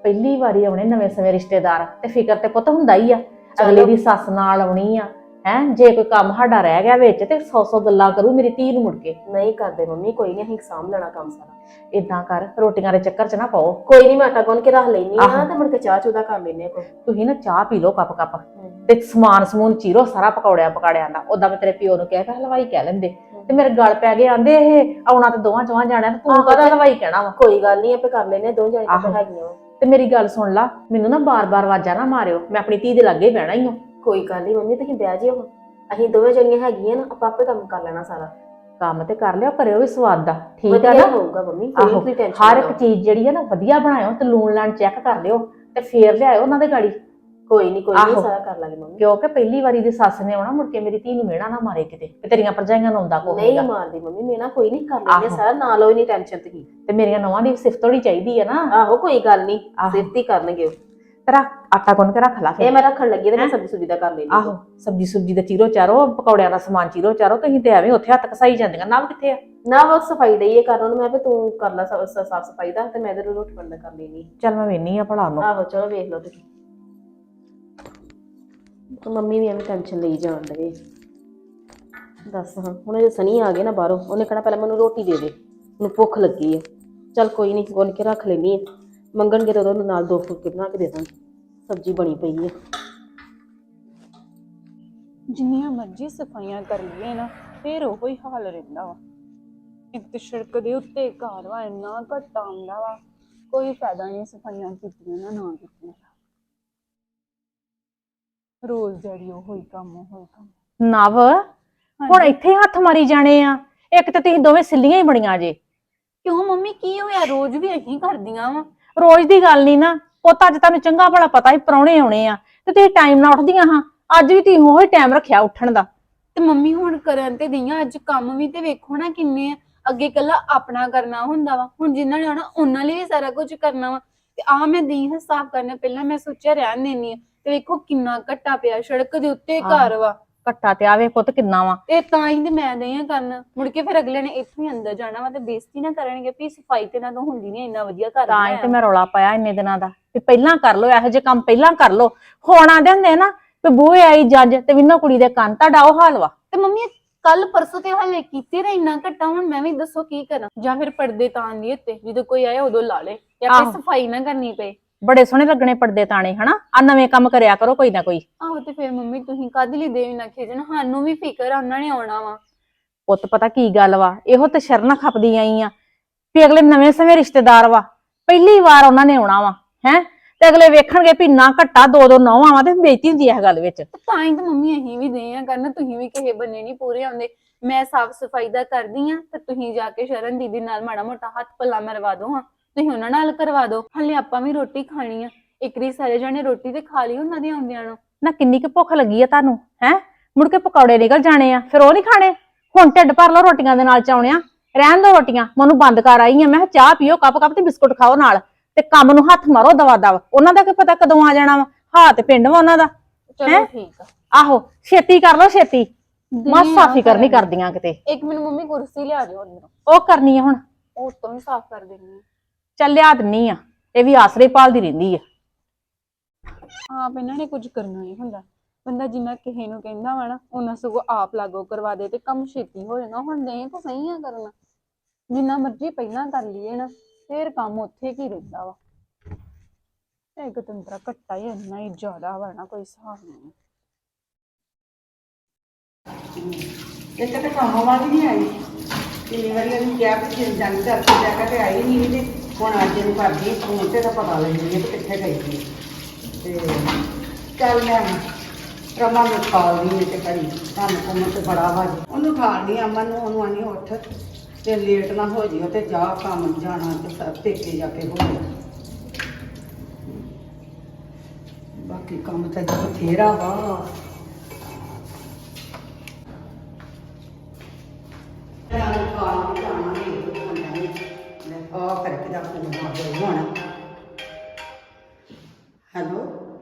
Speaker 1: ਪਹਿਲੀ ਵਾਰੀ ਆਉਣੇ ਨਵੇਂ ਸਮੇਂ ਰਿਸ਼ਤੇਦਾਰ ਤੇ ਫਿਕਰ ਤੇ ਪੁੱਤ ਹੁੰਦਾ ਹੀ ਆ। ਅਗਲੇ ਦੀ ਸੱਸ ਨਾਲ ਆਉਣੀ ਆ ਹੈ, ਜੇ ਕੋਈ ਕੰਮ ਸਾਡਾ ਰਹਿ ਗਿਆ ਵਿੱਚ ਤੇ 100 ਗੱਲਾਂ ਕਰੂ ਮੇਰੀ ਧੀ ਨੂੰ ਮੁੜ ਕੇ।
Speaker 3: ਨਹੀਂ ਕਰਦੇ ਮੰਮੀ, ਕੋਈ ਨਹੀਂ, ਅਸੀਂ ਸਾਂਭ ਲੈਣਾ ਕੰਮ ਸਾਰਾ।
Speaker 1: ਇਦਾਂ ਕਰ, ਰੋਟੀਆਂ ਦੇ ਚੱਕਰ 'ਚ ਨਾ ਪਾਓ।
Speaker 3: ਕੋਈ ਨਹੀਂ, ਮੈਂ ਆਟਾ ਗੁੰਨ ਕੇ ਰੱਖ ਲੈਣੀ ਆ
Speaker 1: ਆਹੋ।
Speaker 3: ਤੇ ਮੁੜ ਕੇ ਚਾਹ ਚੂਦਾ ਕਰ ਲੈਨੇ ਕੋਈ।
Speaker 1: ਤੁਸੀਂ ਨਾ ਚਾਹ ਪੀ ਲਓ ਕੱਪ ਤੇ ਸਮਾਨ ਸਮੂਨ ਚੀਰੋ ਸਾਰਾ ਪਕੌੜਿਆਂ ਪਕਾੜਿਆਂ ਦਾ। ਉਦਾਂ ਮੈਂ ਤੇਰੇ ਪਿਓ ਨੂੰ ਕਿਹਾ ਕਿ ਹਲਵਾਈ ਕਹਿ ਲੈਂਦੇ ਤੇ ਮੇਰੇ ਗਲ ਪੈ ਗਏ, ਆਂਦੇ ਇਹ ਆਉਣਾ ਤੇ ਦੋਵਾਂ ਚੋਹਾਂ ਜਾਣਿਆਂ ਤੇ ਤੂੰ ਕਹਦਾ ਹਲਵਾਈ ਕਹਿਣਾ ਵਾ।
Speaker 3: ਕੋਈ ਗੱਲ ਨਹੀਂ, ਆਪੇ ਕਰ ਲੈਨੇ, ਦੋ ਜਣੇ ਤਾਂ ਹੈਗੀਆਂ ਵਾ।
Speaker 1: ਤੇ ਮੇਰੀ ਗੱਲ ਸੁਣ ਲਾ, ਮੈਨੂੰ ਨਾ ਬਾਰ-ਬਾਰ ਆਵਾਜ਼ਾਂ ਨਾ ਮਾਰਿਓ, ਮੈਂ ਆਪਣੀ ਧੀ ਦੇ ਲਾਗੇ ਹੀ ਬਹਿਣਾ ਹੀ ਹਾਂ।
Speaker 3: ਕੋਈ ਗੱਲ ਨਹੀਂ ਮੰਮੀ, ਤੁਸੀਂ ਬਹਿ ਜਿਓ, ਅਸੀਂ ਦੋਵੇਂ ਜਣੀਆਂ ਹੈਗੀਆਂ ਨਾ, ਆਪਾਂ ਆਪੇ ਕੰਮ ਕਰ ਲੈਣਾ ਸਾਰਾ।
Speaker 1: ਕੰਮ ਤੇ ਕਰ ਲਿਓ, ਕਰਿਓ ਵੀ ਸਵਾਦ ਦਾ, ਠੀਕ
Speaker 3: ਵਧੀਆ
Speaker 1: ਹੈ ਨਾ?
Speaker 3: ਹੋਊਗਾ ਮੰਮੀ,
Speaker 1: ਆਹੋ,
Speaker 3: ਕੋਈ ਟੈਨਸ਼ਨ
Speaker 1: ਹਰ ਇੱਕ ਚੀਜ਼ ਜਿਹੜੀ ਹੈ ਨਾ ਵਧੀਆ ਬਣਾਇਓ ਤੇ ਲੂਣ ਲਾਣ ਚੈੱਕ ਕਰ ਲਿਓ ਤੇ ਫੇਰ ਲਿਆਇਓ ਉਹਨਾਂ ਦੇ ਗਾੜੀ।
Speaker 3: ਕੋਈ ਨਹੀਂ
Speaker 1: ਆਹੋ।
Speaker 3: ਸਾਰਾ ਕਰ ਲਾਂਗੇ ਮੰਮੀ।
Speaker 1: ਕਿਉਂਕਿ ਪਹਿਲੀ ਵਾਰੀ ਦੀ ਸੱਸ ਨੇ ਆਉਣਾ, ਮੁੜ ਕੇ ਮੇਰੀ ਧੀ ਨੂੰ ਮਿਹਣਾ ਨਾ ਮਾਰੇ ਕਿਤੇ ਤੇ ਤੇਰੀਆਂ ਭਰਜਾਈਆਂ ਨੂੰ ਆਉਂਦਾ ਕੋਈ
Speaker 3: ਨਹੀਂ ਮਾਰਦੀ ਮੰਮੀ, ਮੈਂ ਨਾ ਕੋਈ ਨਹੀਂ ਕਰ ਲੈਂਦੇ
Speaker 1: ਆਹੋ।
Speaker 3: ਸਾਰਾ, ਨਾ ਲਓ ਨਹੀਂ ਟੈਨਸ਼ਨ ਤੁਸੀਂ।
Speaker 1: ਤੇ ਮੇਰੀਆਂ ਨੌਵਾਂ ਦੀ ਸਿਫਤ ਹੋਣੀ ਚਾਹੀਦੀ ਹੈ ਨਾ।
Speaker 3: ਆਹੋ ਕੋਈ ਗੱਲ ਨਹੀਂ,
Speaker 1: ਆਹੋ।
Speaker 3: ਸਿਫਤ ਹੀ ਕਰਨਗੇ ਉਹ।
Speaker 1: ਤੇਰਾ ਆਟਾ ਗੁੰਨ ਕੇ ਰੱਖ ਲਾ
Speaker 3: ਇਹ
Speaker 1: ਫਿਰ।
Speaker 3: ਮੈਂ ਰੱਖਣ ਲੱਗੀ ਤੇ ਮੈਂ ਸਬਜ਼ੀ ਸੁਬਜ਼ੀ ਦਾ ਕਰ ਲੈਣੀ।
Speaker 1: ਆਹੋ, ਸਬਜੀ ਸੁਬਜੀ ਦਾ ਚੀਰੋ ਚਾਰੋ, ਪਕੌੜਿਆਂ ਦਾ ਸਮਾਨ ਚੀਰੋ ਚਾਰੋ, ਤੁਸੀਂ ਤੇ ਐਵੇਂ ਉੱਥੇ ਹੱਥ ਕਸਾਈ ਜਾਂਦੀਆਂ। ਨਾ ਕਿੱਥੇ ਆ?
Speaker 3: ਨਾ ਬਸ ਸਫਾਈ ਡਈ ਇਹ ਕਰਨ ਨੂੰ, ਮੈਂ ਵੀ ਤੂੰ ਕਰ ਲੈ ਸਾਫ ਸਫਾਈ ਦਾ ਤੇ ਮੈਂ ਇਧਰ ਰੋਟੀ ਬਣਦਾ ਕਰ ਲੈਣੀ।
Speaker 1: ਚੱਲ ਮੈਂ ਵੇਹਨੀ ਆ ਭਲਾ ਉਹਨੂੰ।
Speaker 3: ਆਹੋ ਚਲੋ ਵੇਖ ਲਓ ਤੁਸੀਂ। ਮੰਮੀ ਵੀ ਐਵੇਂ ਟੈਨਸ਼ਨ ਲਈ ਜਾਣ ਡਏ। ਦੱਸ ਹਾਂ, ਹੁਣ ਜੇ ਸਨੀ ਆ ਗਏ ਨਾ ਬਾਹਰੋਂ, ਉਹਨੇ ਕਹਿਣਾ ਪਹਿਲਾਂ ਮੈਨੂੰ ਰੋਟੀ ਦੇ ਦੇ, ਮੈਨੂੰ ਭੁੱਖ ਲੱਗੀ ਹੈ। ਚੱਲ ਕੋਈ ਨਹੀਂ, ਗੁੰਨ ਕੇ ਰੱਖ ਲੈਣੀ ਹੈ, ਮੰਗਣਗੇ ਤਾਂ ਉਹਨੂੰ ਨਾਲ 2 ਫੁਲਕੇ ਬਣਾ ਕੇ ਦੇ ਦਾਂਗੀ, ਸਬਜ਼ੀ ਬਣੀ ਪਈ ਹੈ।
Speaker 4: ਜਿੰਨੀਆਂ ਮਰਜ਼ੀ ਸਫਾਈਆਂ ਕਰ ਲਈਏ ਨਾ, ਫਿਰ ਉਹੋ ਹੀ ਹਾਲ ਰਹਿੰਦਾ ਵਾ। ਇੱਕ ਤੇ ਸੜਕ ਦੇ ਉੱਤੇ ਘਰ ਵਾ, ਇੰਨਾ ਘੱਟ ਆਉਂਦਾ ਵਾ, ਕੋਈ ਫਾਇਦਾ ਨਹੀਂ ਸਫਾਈਆਂ ਕੀਤੀਆਂ ਨਾ ਕੀਤੀਆਂ। ਰੋਜ਼ ਜਿਹੜੀ ਉਹੋ ਹੀ ਕੰਮ।
Speaker 1: ਨਵ, ਹੁਣ ਇੱਥੇ ਹੱਥ ਮਾਰੀ ਜਾਣੇ ਆ? ਇੱਕ ਤਾਂ ਤੁਸੀਂ ਦੋਵੇਂ ਸਿੱਲੀਆਂ ਹੀ ਬੜੀਆਂ ਜੇ।
Speaker 4: ਕਿਉਂ ਮੰਮੀ, ਕੀ ਹੋਇਆ? ਰੋਜ਼ ਵੀ ਅਸੀਂ ਕਰਦੀਆਂ ਵਾ।
Speaker 1: ਰੋਜ਼ ਦੀ ਗੱਲ ਨਹੀਂ ਨਾ ਪੁੱਤ, ਅੱਜ ਤੁਹਾਨੂੰ ਚੰਗਾ ਭਲਾ ਪਤਾ ਸੀ ਪ੍ਰਾਹੁਣੇ ਆਉਣੇ ਆ ਤੇ ਤੁਸੀਂ ਟਾਈਮ ਨਾਲ ਉੱਠਦੀਆਂ ਹਾਂ। ਅੱਜ ਵੀ ਤੁਸੀਂ ਉਹੀ ਟਾਈਮ ਰੱਖਿਆ ਉੱਠਣ ਦਾ।
Speaker 4: ਤੇ ਮੰਮੀ ਹੁਣ ਕਰਨ ਤੇ ਦਈਆਂ, ਅੱਜ ਕੰਮ ਵੀ ਤੇ ਵੇਖੋ ਨਾ ਕਿੰਨੇ ਆ। ਅੱਗੇ ਕੱਲਾ ਆਪਣਾ ਕਰਨਾ ਹੁੰਦਾ ਵਾ, ਹੁਣ ਜਿਨ੍ਹਾਂ ਨੇ ਆਉਣਾ ਉਹਨਾਂ ਲਈ ਵੀ ਸਾਰਾ ਕੁਝ ਕਰਨਾ ਵਾ। ਤੇ ਆ ਮੈਂ ਦਈ ਹਾਂ ਸਾਫ਼ ਕਰਨਾ, ਪਹਿਲਾਂ ਮੈਂ ਸੋਚਿਆ ਰਹਿਣ ਦੇਣੀ ਆ, ਤੇ ਵੇਖੋ ਕਿੰਨਾ ਘੱਟਾ ਪਿਆ, ਸੜਕ ਦੇ ਉੱਤੇ ਘਰ ਵਾ।
Speaker 1: ਘੱਟਾ ਤੇ ਆਵੇ ਪੁੱਤ ਕਿੰਨਾ ਵਾ।
Speaker 4: ਤੇ ਤਾਂ ਹੀ ਤੇ ਮੈਂ ਦਈ ਹਾਂ ਕਰਨ, ਮੁੜ ਕੇ ਫਿਰ ਅਗਲੇ ਨੇ ਇੱਥੋਂ ਹੀ ਅੰਦਰ ਜਾਣਾ ਵਾ ਤੇ ਬੇਇੱਜ਼ਤੀ ਨਾ ਕਰਨਗੇ ਵੀ ਸਫਾਈ ਤੇ ਨਾ ਤੋਂ ਹੁੰਦੀ ਨਹੀਂ, ਇੰਨਾ ਵਧੀਆ ਕਰ
Speaker 1: ਤਾਂ ਹੀ ਤੇ ਮੈਂ ਰੌਲਾ ਪਾਇਆ ਇੰਨੇ ਦਿਨਾਂ ਦਾ ਵੀ ਪਹਿਲਾਂ ਕਰ ਲੋ, ਇਹੋ ਜਿਹੇ ਕੰਮ ਪਹਿਲਾਂ ਕਰ ਲੋ। ਹੁਣ ਆਂਦੇ ਹੁੰਦੇ ਨਾ ਵੀ ਬੂਹੇ ਆਈ ਜੱਜ ਤੇ ਵਿੰਨੋ ਕੁੜੀ ਦੇ ਕੰਨ, ਤੁਹਾਡਾ ਉਹ ਹਾਲ ਵਾ।
Speaker 4: ਤੇ ਮੰਮੀ ਕੱਲ ਪਰਸੋਂ ਤੇ ਹਲੇ ਕੀਤੇ ਰਹੇ ਇੰਨਾ ਘੱਟਾ, ਹੁਣ ਮੈਂ ਵੀ ਦੱਸੋ ਕੀ ਕਰਾਂ? ਜਾਂ ਫਿਰ ਪਰਦੇ ਤਾਣ ਦੀ ਉੱਤੇ, ਜਦੋਂ ਕੋਈ ਆਏ ਉਦੋਂ ਲਾ ਲੇ, ਜਾਂ ਕੋਈ ਸਫਾਈ ਨਾ ਕਰਨੀ ਪਏ।
Speaker 1: ਬੜੇ ਸੋਹਣੇ ਲੱਗਣੇ ਪਰਦੇ ਤਾਣੇ, ਹਨਾ? ਆ ਨਵੇਂ ਕੰਮ ਕਰਿਆ ਕਰੋ ਕੋਈ ਨਾ ਕੋਈ।
Speaker 4: ਆਹੋ, ਤੇ ਫਿਰ ਮੰਮੀ ਤੁਸੀਂ ਕਦ ਲਈ ਦੇਵੀ ਨਾ ਖੇਜਣ, ਸਾਨੂੰ ਵੀ ਫਿਕਰ ਆ, ਉਹਨਾਂ ਨੇ ਆਉਣਾ ਵਾ।
Speaker 1: ਪੁੱਤ ਪਤਾ ਕੀ ਗੱਲ ਵਾ, ਇਹੋ ਤੇ ਸ਼ਰਨਾ ਖਪਦੀ ਆਈ ਆ ਵੀ ਅਗਲੇ ਨਵੇਂ ਸਮੇਂ ਰਿਸ਼ਤੇਦਾਰ ਵਾ, ਪਹਿਲੀ ਵਾਰ ਉਹਨਾਂ ਨੇ ਆਉਣਾ ਵਾ ਹੈ, ਤੇ ਅਗਲੇ ਵੇਖਣਗੇ ਵੀ ਨਾ ਘੱਟਾ 2-2 ਨੌਵਾਂ ਵਾ ਤੇ ਬੇਇੱਜ਼ਤੀ ਹੁੰਦੀ ਹੈ ਗੱਲ ਵਿੱਚ।
Speaker 4: ਤਾਂ ਹੀ ਤਾਂ ਮੰਮੀ ਅਸੀਂ ਵੀ ਦੇ ਆ ਕਰਨ, ਤੁਸੀਂ ਵੀ ਕਿਸੇ ਬੰਨੇ ਨਹੀਂ ਪੂਰੇ ਆਉਂਦੇ। ਮੈਂ ਸਾਫ ਸਫਾਈ ਦਾ ਕਰਦੀ ਆ ਤੇ ਤੁਸੀਂ ਜਾ ਕੇ ਸ਼ਰਨ ਦੀਦੀ ਨਾਲ ਮਾੜਾ ਮੋਟਾ ਹੱਥ ਪੱਲਾ ਮਰਵਾ ਦੋ, ਹਾਂ ਤੁਸੀਂ ਉਹਨਾਂ ਨਾਲ ਕਰਵਾ ਦੋ। ਹਲੇ ਆਪਾਂ ਵੀ ਰੋਟੀ ਖਾਣੀ ਆ, ਇੱਕ ਵਾਰੀ ਸਾਰੇ ਜਣੇ ਰੋਟੀ ਤੇ ਖਾ ਲਈ ਉਹਨਾਂ ਦੇ ਆਉਂਦਿਆਂ ਨੂੰ।
Speaker 1: ਨਾ ਕਿੰਨੀ ਕੁ ਭੁੱਖ ਲੱਗੀ ਆ ਤੁਹਾਨੂੰ ਹੈ? ਮੁੜ ਕੇ ਪਕੌੜੇ ਨਿਕਲ ਜਾਣੇ ਆ, ਫਿਰ ਉਹ ਨਹੀਂ ਖਾਣੇ। ਹੁਣ ਢਿੱਡ ਭਰ ਲਓ ਰੋਟੀਆਂ ਦੇ ਨਾਲ ਚਾਉਣਿਆ, ਰਹਿਣ ਦੋ ਰੋਟੀਆਂ। ਮੈਨੂੰ ਬੰਦ ਕਰ ਆਈ ਆ, ਮੈਂ ਕਿਹਾ ਚਾਹ ਪੀਓ ਕੱਪ ਤੇ ਬਿਸਕੁਟ ਖਾਓ ਨਾਲ, ਤੇ ਕੰਮ ਨੂੰ ਹੱਥ ਮਾਰੋ ਦਵਾ ਦਵ। ਉਹਨਾਂ ਦਾ ਕੀ ਪਤਾ ਕਦੋਂ ਆ ਜਾਣਾ ਵਾ, ਹਾਂ ਤੇ ਪਿੰਡ ਵਾ ਉਹਨਾਂ ਦਾ।
Speaker 4: ਚਲੋ ਠੀਕ ਆ,
Speaker 1: ਆਹੋ ਛੇਤੀ ਕਰ ਲਓ ਛੇਤੀ, ਮਾਸਾ ਫਿਕਰ ਨਹੀਂ ਕਰਦੀਆਂ ਕਿਤੇ।
Speaker 4: ਇੱਕ ਮਿੰਟ ਮੰਮੀ ਕੁਰਸੀ ਲਿਆ ਦਿਓ ਅੰਦਰੋਂ,
Speaker 1: ਉਹ ਕਰਨੀ ਆ ਹੁਣ,
Speaker 4: ਉਹ ਤੋਂ ਵੀ ਸਾਫ਼ ਕਰ ਦੇਣੀ ਆ।
Speaker 1: ਚੱਲ ਲਿਆ ਦਿੰਨੀ ਆ, ਇਹ ਵੀ ਆਸਰੇ ਭਾਲਦੀ ਰਹਿੰਦੀ ਆ।
Speaker 4: ਆਪ ਇਹਨਾਂ ਨੇ ਕੁਝ ਕਰਨਾ ਨਹੀਂ ਹੁੰਦਾ, ਬੰਦਾ ਜਿੰਨਾ ਕਿਸੇ ਨੂੰ ਕਹਿੰਦਾ ਵਾ ਨਾ ਉਹਨਾਂ ਸਗੋਂ ਆਪ ਲਾਗੂ ਕਰਵਾ ਦੇ ਤੇ ਕੰਮ ਛੇਤੀ ਹੋ ਜਾਣਾ। ਹੁਣ ਨਹੀਂ ਤਾਂ ਸਹੀ ਆ ਕਰਨਾ, ਜਿੰਨਾ ਮਰਜ਼ੀ ਪਹਿਲਾਂ ਕਰ ਲਈਏ ਨਾ ਫਿਰ ਕੰਮ ਉੱਥੇ ਕੀ ਰਹਿੰਦਾ ਵਾ। ਇੱਕ ਤੰਤਰਾ ਘੱਟਾ ਹੀ ਇੰਨਾ ਹੀ ਜ਼ਿਆਦਾ ਵਾ ਨਾ, ਕੋਈ ਹਿਸਾਬ ਨਹੀਂ।
Speaker 5: ਇੱਕ ਤਾਂ ਕੰਮ ਵਾਲੀ ਨਹੀਂ ਆਈ, ਕਿੰਨੀ ਵਾਰੀ ਉਹਨੂੰ ਕਿਹਾ ਕਿ ਜੇ ਜਾਣੀ ਕਰਕੇ ਜਾ ਕੇ ਤੇ ਆਈ ਨਹੀਂ, ਤੇ ਹੁਣ ਅੱਜ ਇਹਨੂੰ ਕਰਦੀ ਫੋਨ ਤੇ ਤਾਂ ਪਤਾ ਲੈਂਦੀ ਹੈ ਕਿ ਕਿੱਥੇ ਗਈ ਸੀ। ਤੇ ਚੱਲ ਮੈਂ ਰਮਾ ਨੂੰ ਖਾਲਦੀ ਹੈ ਤੇ ਕਰੀ ਕੰਮ ਕੁੰਮ ਤੇ ਬੜਾ ਵਾ, ਉਹਨੂੰ ਖਾਲਦੀ ਅਮਨ ਨੂੰ, ਉਹਨੂੰ ਆਨੀ ਉੱਠ ਤੇ ਲੇਟ ਨਾ ਹੋ ਜਿਓ ਤੇ ਜਾ ਕੰਮ ਜਾਣਾ ਤੇ ਸਭ ਪੇਕੇ ਜਾ ਕੇ ਹੋ ਜਾ। ਬਾਕੀ ਕੰਮ ਤਾਂ ਜੋ ਬਥੇਰਾ ਵਾ। हेलो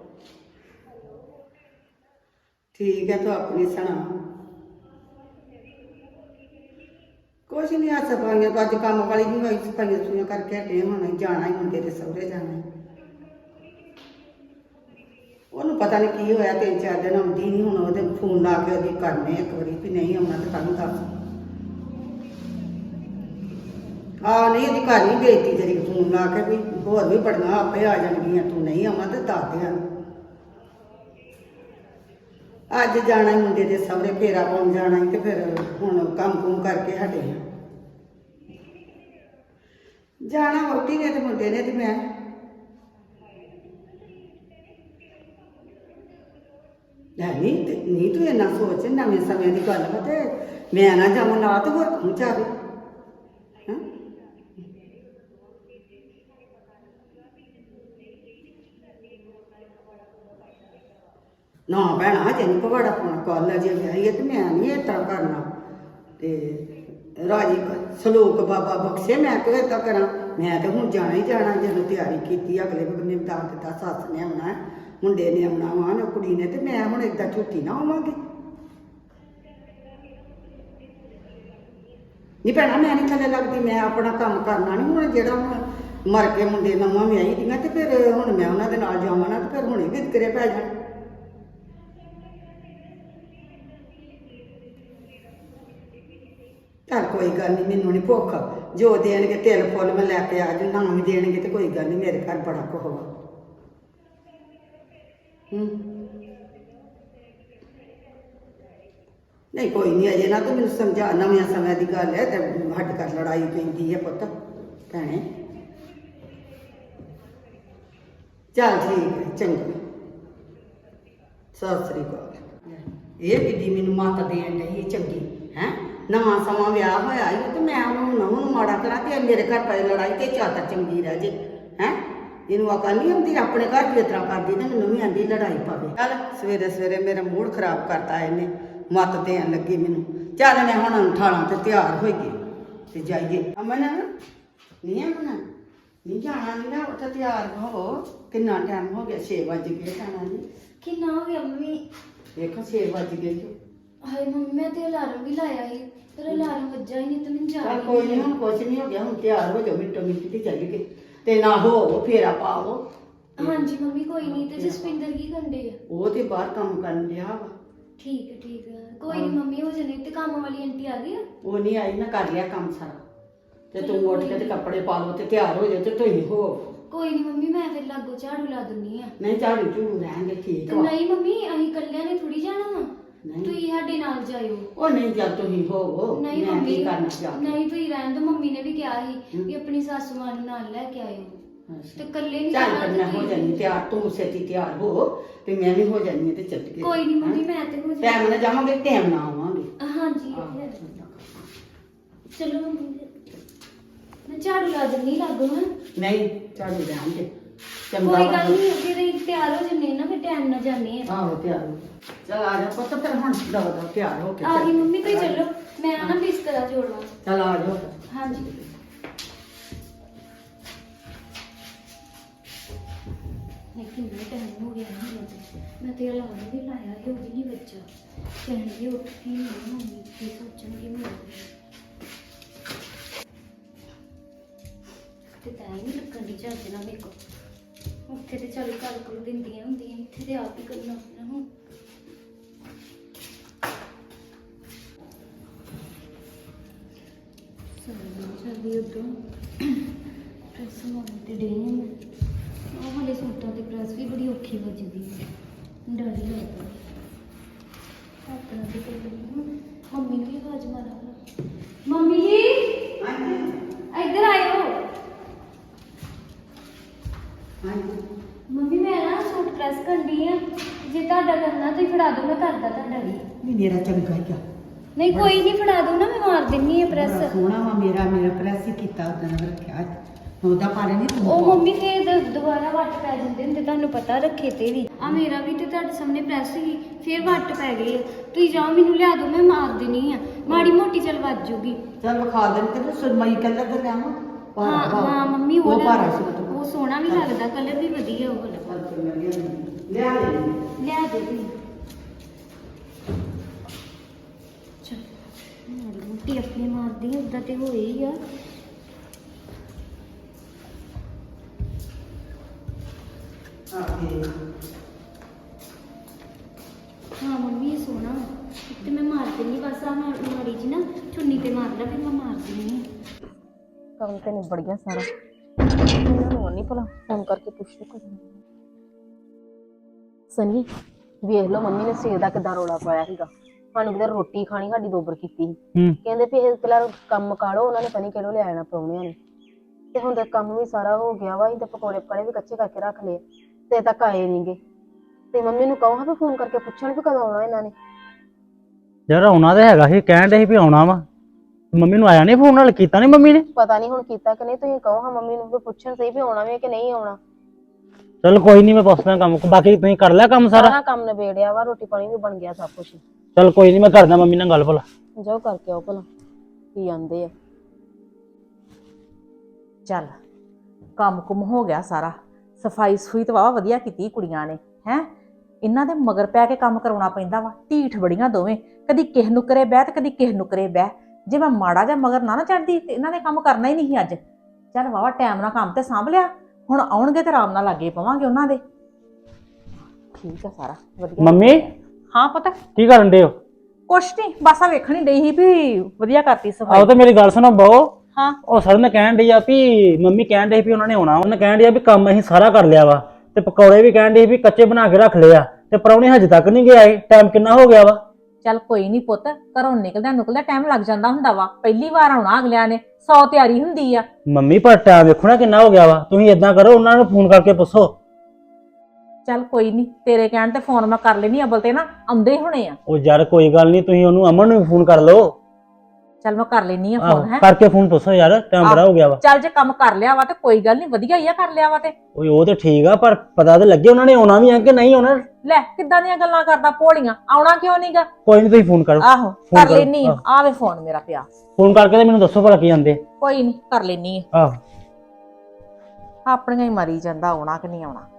Speaker 5: ठीक है, तो अपनी सुना कुछ नहीं। आ सफाइयां तो अज काम वाली नहीं हुई, सफाइयां सुइयां करके हटे, होना ही जाना ही मुंडे के सहुरे जाना। ਪਤਾ ਨਹੀਂ ਕੀ ਹੋਇਆ, 3-4 ਦਿਨ ਆਉਂਦੀ ਨਹੀਂ। ਹੁਣ ਉਹਦੇ ਫੋਨ ਲਾ ਕੇ ਉਹਦੀ ਕਰਨੇ ਇੱਕ ਵਾਰੀ ਵੀ ਨਹੀਂ ਆਉਣਾ ਤਾਂ ਕੱਲ ਦੱਸ। ਨਹੀਂ ਉਹਦੀ ਘਰ ਨਹੀਂ ਬੇਇੱਜ਼ਤੀ ਤੇਰੀ, ਫੋਨ ਲਾ ਕੇ ਵੀ ਹੋਰ ਵੀ ਬੜੀਆਂ ਆਪੇ ਆ ਜਾਣਗੀਆਂ, ਤੂੰ ਨਹੀਂ ਆਉਣਾ ਤੇ ਦੱਸ ਦਿਆਂ। ਅੱਜ ਜਾਣਾ ਹੀ ਮੁੰਡੇ ਦੇ ਸਹੁਰੇ, ਫੇਰਾ ਪਾਉਣ ਜਾਣਾ ਹੀ, ਤੇ ਫਿਰ ਹੁਣ ਕੰਮ ਕੁਮ ਕਰਕੇ ਹਟੇ ਹਾਂ। ਜਾਣਾ ਵਹੁਟੀ ਨੇ ਤੇ ਮੁੰਡੇ ਨੇ ਤੇ ਮੈਂ। ਨਹੀਂ ਤੂੰ ਇੰਨਾ ਸੋਚ, ਨਵੇਂ ਸਮੇਂ ਦੀ ਗੱਲ ਵਾ ਤੇ ਮੈਂ ਨਾ ਜਾਵਾਂ ਨਾ ਤੇ ਹੋਰ ਕੌਣ ਜਾਵੇ। ਹੈਂ? ਨਾ ਭੈਣਾ ਹਜੇ ਨਹੀਂ ਪਵਾੜਾ ਪਾਉਣਾ, ਕੱਲ ਅਜੇ ਵਿਆਹੀ ਹੈ ਤੇ ਮੈਂ ਨਹੀਂ ਇਸ ਤਰ੍ਹਾਂ ਕਰਨਾ। ਤੇ ਰਾਜੀ ਸਲੋਕ ਬਾਬਾ ਬਖਸ਼ੇ, ਮੈਂ ਕਿਉਂ ਏਦਾਂ ਕਰਾਂ। ਮੈਂ ਤੇ ਹੁਣ ਜਾਣਾ ਹੀ ਜਾਣਾ, ਜਦੋਂ ਤਿਆਰੀ ਕੀਤੀ ਅਗਲੇ ਨੇ ਦੱਸ ਦਿੱਤਾ ਸੱਸ ਨੇ ਆਉਣਾ, ਮੁੰਡੇ ਨੇ ਆਉਣਾ ਵਾ ਨਾ ਕੁੜੀ ਨੇ, ਤੇ ਮੈਂ ਹੁਣ ਏਦਾਂ ਝੂਠੀ ਨਾ ਹੋਵਾਂਗੀ। ਨਹੀਂ ਭੈਣਾ ਮੈਂ ਨਹੀਂ ਥੱਲੇ ਲੱਗਦੀ, ਮੈਂ ਆਪਣਾ ਕੰਮ ਕਰਨਾ ਨਹੀਂ। ਹੁਣ ਜਿਹੜਾ ਹੁਣ ਮਰ ਕੇ ਮੁੰਡੇ ਨਵਾਂ ਵਿਆਹੀ ਦੀਆਂ ਤੇ ਫਿਰ ਹੁਣ ਮੈਂ ਉਹਨਾਂ ਦੇ ਨਾਲ ਜਾਵਾਂ ਨਾ ਤੇ ਫਿਰ ਹੁਣੇ ਵਿਤਕਰੇ ਪੈ ਜਾਣ। ਚੱਲ ਕੋਈ ਗੱਲ ਨਹੀਂ, ਮੈਨੂੰ ਨਹੀਂ ਭੁੱਖ, ਜੋ ਦੇਣਗੇ ਤਿਲ ਫੁੱਲ ਮੈਂ ਲੈ ਕੇ ਆ ਜੂ, ਨਾ ਵੀ ਦੇਣਗੇ ਤੇ ਕੋਈ ਗੱਲ ਨਹੀਂ, ਮੇਰੇ ਘਰ ਬੜਾ ਕੁਝ ਵਾ। ਨਹੀਂ ਕੋਈ ਨਹੀਂ, ਅਜੇ ਨਾ ਤੂੰ ਮੈਨੂੰ ਸਮਝਾ, ਨਵੇਂ ਸਮੇਂ ਦੀ ਗੱਲ ਹੈ ਤੇ ਹੱਡ ਕਰ ਲੜਾਈ ਪੈਂਦੀ ਹੈ ਪੁੱਤ ਭੈਣੇ। ਚੱਲ ਠੀਕ ਹੈ, ਚੰਗਾ, ਸਤਿ ਸ੍ਰੀ ਅਕਾਲ। ਇਹ ਕਿੱਡੀ ਮੈਨੂੰ ਮੱਤ ਦੇਣ ਡਈ ਚੰਗੀ ਹੈ। ਨਵਾਂ ਸਮਾਂ ਵਿਆਹ ਹੋਇਆ ਹੀ ਤੇ ਮੈਂ ਉਹਨੂੰ ਨੂੰ ਮਾੜਾ ਕਰਾਂ ਤੇ ਮੇਰੇ ਘਰ ਪੈ ਲੜਾਈ ਤੇ ਚਾਦਰ ਚੰਗੀ ਰਹਿ ਜੇ ਹੈ। ਇਹਨੂੰ ਅਕਲ ਨਹੀਂ ਆਉਂਦੀ, ਆਪਣੇ ਘਰ ਵੀ ਇਸ ਤਰ੍ਹਾਂ ਕਰਦੀ ਤੇ ਮੈਨੂੰ ਵੀ ਆਂਦੀ ਲੜਾਈ ਪਾਵੇ। ਚੱਲ ਸਵੇਰੇ ਸਵੇਰੇ ਮੇਰਾ ਮੂਡ ਖਰਾਬ ਕਰਤਾ ਇਹਨੇ, ਮੱਤ ਦੇਣ ਲੱਗੀ ਮੈਨੂੰ। ਚੱਲ ਮੈਂ ਹੁਣ ਉਠਾਲਾਂ ਤੇ ਤਿਆਰ ਹੋਈ ਗਈ ਤੇ ਜਾਈਏ। ਅਮਨ ਨਹੀਂ ਅਮਨ ਨਹੀਂ ਜਾਣਾ, ਨਹੀਂ ਨਾ ਉੱਥੇ ਤਿਆਰ ਹੋ। ਕਿੰਨਾ ਟਾਈਮ ਹੋ ਗਿਆ, 6 ਵਜ ਗਏ। ਜਾਣਾ ਨਹੀਂ
Speaker 6: ਕਿੰਨਾ ਹੋ ਗਿਆ ਮੰਮੀ?
Speaker 5: ਦੇਖੋ 6 ਵਜ ਗਏ।
Speaker 6: ਹਾਏ ਮੰਮੀ ਮੈਂ ਤੇ ਅਲਾਰਮ ਵੀ ਲਾਇਆ ਸੀ ਪਰ ਅਲਾਰਮ ਵੱਜਾ ਹੀ ਨਹੀਂ ਤੇ ਮੈਨੂੰ ਜਾ
Speaker 5: ਚੱਲ ਕੋਈ ਨਹੀਂ, ਹੁਣ ਕੁਛ ਨਹੀਂ ਹੋ ਗਿਆ, ਹੁਣ ਤਿਆਰ ਹੋ ਜਾਓ, ਮਿੰਟੋ ਮਿੰਟ ਤੇ ਚੱਲ ਗਏ ਤੇ ਨਾ ਹੋ ਫੇਰਾ ਪਾਓ।
Speaker 6: ਹਾਂਜੀ ਮੰਮੀ ਕੋਈ ਨਹੀਂ। ਤੇ ਜਸਪਿੰਦਰ ਕੀ ਕਰਦੇ ਆ?
Speaker 5: ਉਹ ਤੇ ਬਾਹਰ ਕੰਮ ਕਰਨ ਲਿਆ ਵਾ।
Speaker 6: ਠੀਕ ਹੈ ਕੋਈ ਨਹੀਂ ਮੰਮੀ, ਹੋ ਜਾਣੇ। ਤੇ ਕੰਮ ਵਾਲੀ ਆਂਟੀ ਆ ਗਈ ਆ?
Speaker 5: ਉਹ ਨਹੀਂ ਆਈ, ਨਾ ਕਰ ਲਿਆ ਕੰਮ ਸਾਰਾ ਤੇ ਤੂੰ ਉੱਠ ਕੇ ਤੇ ਕੱਪੜੇ ਪਾ ਲਓ ਤੇ ਤਿਆਰ ਹੋ ਜਾ ਤੇ ਤੁਸੀਂ ਹੋ।
Speaker 6: ਕੋਈ ਨਹੀਂ ਮੰਮੀ, ਮੈਂ ਫਿਰ ਲਾਗੋ ਝਾੜੂ ਲਾ ਦਿੰਨੀ ਆ।
Speaker 5: ਨਹੀਂ ਝਾੜੂ ਝੂੜੂ ਰਹਿਣਗੇ, ਠੀਕ
Speaker 6: ਤੇ
Speaker 5: ਵਾ।
Speaker 6: ਨਹੀਂ ਮੰਮੀ ਅਸੀਂ ਇਕੱਲਿਆਂ ਨੇ ਥੋੜੀ ਜਾਣਾ ਵਾ,
Speaker 5: ਨਹੀਂ।
Speaker 6: ਤੁਸੀਂ ਸਾਡੇ ਨਾਲ ਜਾਇਓ।
Speaker 5: ਉਹ ਨਹੀਂ, ਚੱਲ ਤੁਸੀਂ ਹੋਵੋ,
Speaker 6: ਨਹੀਂ
Speaker 5: ਮੈਂ
Speaker 6: ਮੰਮੀ
Speaker 5: ਕੀ ਕਰਨਾ ਜਾ ਕੇ।
Speaker 6: ਨਹੀਂ ਤੁਸੀਂ ਰਹਿਣ ਦਿਓ, ਮੰਮੀ ਨੇ ਵੀ ਕਿਹਾ ਸੀ ਕਿ ਆਪਣੀ ਸਾਸੂ ਮਾਂ ਨੂੰ ਨਾਲ ਲੈ ਕੇ ਆਇਓ। ਤੇ ਇਕੱਲੇ ਨਹੀਂ
Speaker 5: ਚੱਲ
Speaker 6: ਜਾਣਾ
Speaker 5: ਫਿਰ ਮੈਂ ਹੋ ਜਾਨੀ ਤਿਆਰ, ਤੂੰ ਛੇਤੀ ਤਿਆਰ ਹੋ ਤੇ ਮੈਂ ਵੀ ਹੋ ਜਾਨੀ ਤੇ ਚੱਲ ਗਏ।
Speaker 6: ਕੋਈ ਨਹੀਂ ਮੰਮੀ, ਮੈਂ ਤੇ ਹੋ
Speaker 5: ਟਾਈਮ ਨਾਲ ਜਾਵਾਂਗੇ, ਟਾਈਮ ਨਾਲ ਆਵਾਂਗੇ।
Speaker 6: ਹਾਂਜੀ ਚਲੋ ਮੰਮੀ, ਮੈਂ ਝਾੜੂ ਲਾ ਦਿੰਨੀ ਲਾਗੋ ਹਾਂ।
Speaker 5: ਨਹੀਂ ਝਾੜੂ ਰਹਿਣ ਦੇ,
Speaker 6: ਕੋਈ ਗੱਲ ਨਹੀਂ, ਅੱਗੇ ਤੇ ਤਿਆਰ ਹੋ ਜੰਨੇ ਨਾ, ਫਿਰ ਟਾਈਮ ਨਾਲ ਜਾਂਦੇ ਆ।
Speaker 5: ਆਹੋ ਤਿਆਰ ਹੋ। ਚੱਲ ਆ ਜਾ ਪੁੱਤ, ਫਿਰ ਹੁਣ ਦਵਾ ਤਿਆਰ ਹੋ ਕੇ
Speaker 6: ਆ ਗਈ ਮੰਮੀ, ਕੋਈ ਚੱਲੋ ਮੈਂ ਨਾ ਬਿਸਤਰਾ ਜੋੜਵਾ।
Speaker 5: ਚੱਲ ਆ ਜਾ।
Speaker 6: ਹਾਂਜੀ ਕਿੰਨਾ ਟਾਈਮ ਹੋ ਗਿਆ ਨਾ, ਮੈਂ ਤੇ ਅਲਾਰਮ ਵੀ ਲਾਇਆ ਸੀ, ਉਹ ਵੀ ਨਹੀਂ ਵੱਜਾ। ਕਹਿਣਗੇ ਉੱਠ ਕੇ ਨਹੀਂ ਮੰਮੀ, ਕੀ ਸੋਚਣਗੇ ਮੇਰੇ ਤੇ ਤਾਂ ਹੀ ਨਹੀਂ ਲੱਗਣ ਦੀ ਚੱਜ ਨਾਲ ਮੇਰੇ ਕੋਲ। ਉੱਥੇ ਤੇ ਚੱਲ ਕਰ ਦਿੰਦੀਆਂ ਹੁੰਦੀਆਂ, ਇੱਥੇ ਤੇ ਆਪ ਹੀ ਕਰਨਾ ਪੈਣਾ ਹੁਣ। ਚੱਲਦੀ ਉਦੋਂ ਪ੍ਰੈਸ ਮਾਰਨ ਤੇ ਡੇ ਉਹ ਵਾਲੇ ਸੂਟਾਂ ਤੇ ਪ੍ਰੈਸ ਵੀ ਬੜੀ ਔਖੀ ਵੱਜਦੀ ਹੈ, ਡਰ ਹੀ ਲੱਗਦਾ। ਆਪਣਾ ਤੇ ਮੰਮੀ ਨੂੰ ਵੀ ਆਵਾਜ਼ ਮਾਰਾਂ। ਮੰਮੀ ਜੀ ਇੱਧਰ ਆਇਓ। ਮੰਮੀ ਮੈਂ ਨਾ ਸੂਟ ਪ੍ਰੈਸ ਕਰਨੀ ਆ, ਜੇ ਤੁਹਾਡਾ ਕਰਨਾ ਤੁਸੀਂ ਫੜਾ ਦਿਓ, ਮੈਂ ਕਰਦਾ ਤੁਹਾਡਾ ਵੀ।
Speaker 5: ਨਹੀਂ ਮੇਰਾ ਚੰਗਾ ਹੀ ਆ।
Speaker 6: ਨਹੀਂ ਕੋਈ ਨਹੀਂ, ਫੜਾ ਦਿਓ ਨਾ, ਮੈਂ ਮਾਰ ਦਿੰਨੀ ਆ ਪ੍ਰੈਸ।
Speaker 5: ਸੋਹਣਾ ਵਾ ਮੇਰਾ ਪ੍ਰੈਸ ਹੀ ਕੀਤਾ ਉਦੋਂ ਰੱਖਿਆ, ਉਹਦਾ ਪਾਰੇ ਨਹੀਂ ਤੂੰ।
Speaker 6: ਉਹ ਮੰਮੀ ਫੇਰ ਦੁਬਾਰਾ ਵੱਟ ਪੈ ਜਾਂਦੇ ਹੁੰਦੇ, ਤੁਹਾਨੂੰ ਪਤਾ ਰੱਖੇ ਤੇ ਵੀ। ਆ ਮੇਰਾ ਵੀ ਤੇ ਤੁਹਾਡੇ ਸਾਹਮਣੇ ਪ੍ਰੈਸ ਸੀ, ਫੇਰ ਵੱਟ ਪੈ ਗਏ ਆ। ਤੁਸੀਂ ਜਾਓ, ਮੈਨੂੰ ਲਿਆ ਦਿਓ, ਮੈਂ ਮਾਰ ਦੇਣੀ ਆ, ਮਾੜੀ ਮੋਟੀ ਚੱਲ ਵੱਜ ਜੂਗੀ।
Speaker 5: ਚੱਲ ਵਿਖਾ ਦੇਣ ਤੇ ਸੁਰਮਈ ਕਲਰ ਦਾ ਲਿਆਵਾਂ।
Speaker 6: ਹਾਂ ਮੰਮੀ, ਉਹ
Speaker 5: ਭਾਰਾ ਸੀ,
Speaker 6: ਉਹ ਸੋਹਣਾ ਵੀ ਲੱਗਦਾ, ਕਲਰ ਵੀ ਵਧੀਆ ਉਹ ਵਾਲਾ।
Speaker 5: ਲਿਆ ਦੇ
Speaker 6: ਲਿਆ ਦੇ ਤੁਸੀਂ। ਚਲ ਮਾੜੀ ਮੋਟੀ ਆਪਣੀ ਮਾਰਦੀ, ਉਦਾਂ ਤੇ ਹੋਏ ਹੀ ਆ। ਹਾਂ ਮੰਮੀ ਇਹ ਸੋਹਣਾ ਵਾ। ਤੇ ਮੈਂ ਮਾਰ ਦਿੰਦੀ ਬਸ ਆ ਮੈਂ ਮਾੜੀ ਜੀ ਨਾ ਚੁੰਨੀ ਤੇ ਮਾਰ ਲਾ ਫਿਰ ਮੈਂ ਮਾਰ ਦਿੰਦੀ ਹਾਂ।
Speaker 3: ਕੰਮ ਤੇ ਨਿਬੜ ਗਿਆ ਸਾਰਾ। ਇਹਨਾਂ ਨੂੰ ਨਹੀਂ ਭਲਾ ਫੋਨ ਕਰਕੇ ਪੁੱਛ ਲਓ ਕੁਝ। ਸਨੀ ਵੇਖ ਲਓ ਮੰਮੀ ਨੇ ਸਵੇਰ ਦਾ ਕਿੱਦਾਂ ਰੌਲਾ ਪਾਇਆ ਸੀਗਾ। ਸਾਨੂੰ ਕਿਤੇ ਰੋਟੀ ਖਾਣੀ ਸਾਡੀ ਦੋਬਰ ਕੀਤੀ ਸੀ। ਕਹਿੰਦੇ ਵੀ ਇਹ ਪਹਿਲਾਂ ਕੰਮ ਮੁਕਾ ਲਓ, ਉਹਨਾਂ ਨੇ ਪਤਾ ਨੀ ਕਿਹੜੋਂ ਲੈ ਆਣਾ ਪ੍ਰਾਹੁਣਿਆਂ ਨੇ। ਤੇ ਹੁਣ ਤਾਂ ਕੰਮ ਵੀ ਸਾਰਾ ਹੋ ਗਿਆ ਵਾ। ਅਸੀਂ ਤਾਂ ਪਕੌੜੇ ਪਕੜੇ ਵੀ ਕੱਚੇ ਕਰਕੇ ਰੱਖ ਲਏ ਤੇ ਤੱਕ ਆਏ ਨਹੀਂਗੇ। ਤੇ ਮੰਮੀ ਨੂੰ ਕਹੋ ਹਾਂ ਵੀ ਫੋਨ ਕਰਕੇ ਪੁੱਛਣ ਵੀ ਕਦੋਂ ਆਉਣਾ ਇਹਨਾਂ ਨੇ।
Speaker 7: ਯਾਰ ਆਉਣਾ ਤਾਂ ਹੈਗਾ ਸੀ, ਕਹਿਣ ਦੇ ਸੀ ਵੀ ਆਉਣਾ ਵਾ। ਮੰਮੀ ਨੂੰ ਆਇਆ ਨਹੀਂ ਫੋਨ? ਨਾਲ ਕੀਤਾ ਨਹੀਂ ਮੰਮੀ ਨੇ?
Speaker 3: ਪਤਾ ਨਹੀਂ ਹੁਣ ਕੀਤਾ ਕਿ ਨਹੀਂ। ਤੁਸੀਂ ਕਹੋ ਹਾਂ ਮੰਮੀ ਨੂੰ ਵੀ ਪੁੱਛਣ ਸਹੀ ਵੀ ਆਉਣਾ ਵੀ ਕਿ ਨਹੀਂ ਆਉਣਾ।
Speaker 7: ਚਲ ਕੋਈ ਨਹੀਂ, ਮੈਂ ਪੁੱਛਦਾ ਕੰਮ। ਬਾਕੀ ਤੁਸੀਂ ਕਰ ਲਿਆ ਕੰਮ ਸਾਰਾ?
Speaker 3: ਸਾਰਾ ਕੰਮ ਨਿਬੇੜਿਆ ਵਾ, ਰੋਟੀ ਪਾਣੀ ਵੀ ਬਣ ਗਿਆ ਸਭ ਕੁਝ।
Speaker 7: ਚਲ ਕੋਈ ਨਹੀਂ, ਮੈਂ ਕਰਦਾ ਮੰਮੀ ਨਾਲ ਗੱਲ ਭਲਾ।
Speaker 3: ਜਾਓ ਕਰਕੇ ਆਓ ਭਲਾ ਕੀ ਆਂਦੇ ਆ।
Speaker 1: ਚੱਲ ਕੰਮ ਕੁਮ ਹੋ ਗਿਆ ਸਾਰਾ। ਸਫਾਈ ਸੁਈ ਤਾਂ ਵਾਵਾ ਵਧੀਆ ਕੀਤੀ ਕੁੜੀਆਂ ਨੇ ਹੈ। ਇਹਨਾਂ ਦੇ ਮਗਰ ਪੈ ਕੇ ਕੰਮ ਕਰਾਉਣਾ ਪੈਂਦਾ ਵਾ। ਢੀਠ ਬੜੀਆਂ ਦੋਵੇਂ, ਕਦੀ ਕਿਸ ਨੁਕਰੇ ਬਹਿ ਤੇ ਕਦੀ ਕਿਸ ਨੁਕਰੇ ਬਹਿ। ਜੇ ਮੈਂ ਮਾੜਾ ਜਿਹਾ ਮਗਰ ਨਾ ਚੜਦੀ ਤੇ ਇਹਨਾਂ ਨੇ ਕੰਮ ਕਰਨਾ ਹੀ ਨਹੀਂ ਅੱਜ। ਚੱਲ ਵਾਵਾ ਟਾਈਮ ਨਾਲ ਕੰਮ ਤੇ ਸਾਂਭ ਲਿਆ। ਹੁਣ ਆਉਣਗੇ ਤੇ ਆਰਾਮ ਨਾਲ ਲੱਗੇ ਪਵਾਂਗੇ ਉਹਨਾਂ ਦੇ। ਠੀਕ ਆ ਸਾਰਾ ਵਧੀਆ।
Speaker 7: ਮੰਮੀ
Speaker 1: ਹਾਂ ਪਤਾ
Speaker 7: ਕੀ ਕਰਨ ਦੇ ਹੋ?
Speaker 1: ਕੁਛ ਨਹੀਂ, ਬਸ ਆ ਵੇਖਣੀ ਡਈ ਸੀ ਵੀ ਵਧੀਆ ਕਰਤੀ
Speaker 7: ਆਓ
Speaker 1: ਸਫਾਈ।
Speaker 7: ਤੇ ਮੇਰੀ ਗੱਲ ਸੁਣੋ ਬਹੁ।
Speaker 1: ਹਾਂ
Speaker 7: ਉਹ ਸਰ ਨੇ ਕਹਿਣ ਡਈ ਆ ਵੀ ਮੰਮੀ ਕਹਿਣ ਡਈ ਵੀ ਉਹਨਾਂ ਨੇ ਆਉਣਾ। ਉਹਨੇ ਕਹਿਣ ਡਈ ਆ ਵੀ ਕੰਮ ਅਸੀਂ ਸਾਰਾ ਕਰ ਲਿਆ ਵਾ। ਤੇ ਪਕੌੜੇ ਵੀ ਕਹਿਣ ਡਈ ਵੀ ਕੱਚੇ ਬਣਾ ਕੇ ਰੱਖ ਲਏ ਆ। ਤੇ ਪ੍ਰਾਹੁਣੇ ਹਜੇ ਤੱਕ ਨਹੀਂ ਗਏ ਆਏ। ਟਾਈਮ ਕਿੰਨਾ ਹੋ ਗਿਆ ਵਾ?
Speaker 1: ਚੱਲ ਕੋਈ ਨਹੀਂ ਪੁੱਤ, ਘਰੋਂ ਨਿਕਲਦਾ ਟਾਈਮ ਲੱਗ ਜਾਂਦਾ ਹੁੰਦਾ ਵਾ। ਪਹਿਲੀ ਵਾਰ ਆਉਣਾ ਅਗਲਿਆਂ ਨੇ, 100 ਤਿਆਰੀ ਹੁੰਦੀ ਆ।
Speaker 7: ਮੰਮੀ ਪਰ ਟਾਈਮ ਵੇਖੋ ਨਾ ਕਿੰਨਾ ਹੋ ਗਿਆ ਵਾ। ਤੁਸੀਂ ਏਦਾਂ ਕਰੋ, ਉਹਨਾਂ ਨੂੰ ਫੋਨ ਕਰਕੇ ਪੁੱਛੋ।
Speaker 1: ਚੱਲ ਕੋਈ ਨਹੀਂ, ਤੇਰੇ ਕਹਿਣ ਤੇ ਫੋਨ ਮੈਂ ਕਰ ਲੈਣੀ। ਅਬਲ ਤੇ ਨਾ ਆਉਂਦੇ ਹੋਣੇ ਆ।
Speaker 7: ਉਹ ਯਾਰ ਕੋਈ ਗੱਲ ਨਹੀਂ, ਤੁਸੀਂ ਉਹਨੂੰ ਅਮਨ ਨੂੰ ਵੀ ਫੋਨ ਕਰ ਲਓ।
Speaker 1: ਚੱਲ ਮੈਂ ਕਰ ਲੈਣੀ ਆ
Speaker 7: ਆਹੋ,
Speaker 1: ਫੋਨ। ਹੈ
Speaker 7: ਕਰਕੇ ਫੋਨ ਪੁੱਛੋ ਯਾਰ, ਟਾਈਮ ਬੜਾ ਹੋ ਗਿਆ ਵਾ।
Speaker 1: ਚੱਲ ਜੇ ਕੰਮ ਕਰ ਲਿਆ ਵਾ ਤੇ ਕੋਈ ਗੱਲ ਨਹੀਂ, ਵਧੀਆ ਹੀ ਆ ਕਰ ਲਿਆ ਵਾ ਤੇ।
Speaker 7: ਓਏ ਉਹ ਤੇ ਠੀਕ ਆ, ਪਰ ਪਤਾ ਤੇ ਲੱਗੇ ਉਹਨਾਂ ਨੇ ਆਉਣਾ ਵੀ ਆ ਕਿ ਨਹੀਂ ਆਉਣਾ।
Speaker 1: ਲੈ ਕਿੱਦਾਂ ਦੀਆਂ ਗੱਲਾਂ ਕਰਦਾ ਭੋਲੀਆਂ। ਆਉਣਾ ਕਿਉਂ ਨਹੀਂਗਾ?
Speaker 7: ਕੋਈ ਨਹੀਂ, ਤੁਸੀਂ ਫੋਨ ਕਰੋ।
Speaker 1: ਆਹੋ ਕਰ
Speaker 7: ਕਰੋ,
Speaker 1: ਲੈਣੀ ਆ।
Speaker 7: ਆਹੋ।
Speaker 1: ਆਵੇ ਫੋਨ ਮੇਰਾ ਪਿਆ।
Speaker 7: ਫੋਨ ਕਰਕੇ ਤੇ ਮੈਨੂੰ ਦੱਸੋ ਭਲਾ ਕੀ ਆਂਦੇ।
Speaker 1: ਕੋਈ ਨਹੀਂ ਕਰ ਲੈਣੀ ਆ।
Speaker 7: ਆਹ
Speaker 1: ਆਪਣੀਆਂ ਹੀ ਮਰੀ ਜਾਂਦਾ, ਆਉਣਾ ਕਿ ਨਹੀਂ ਆਉਣਾ।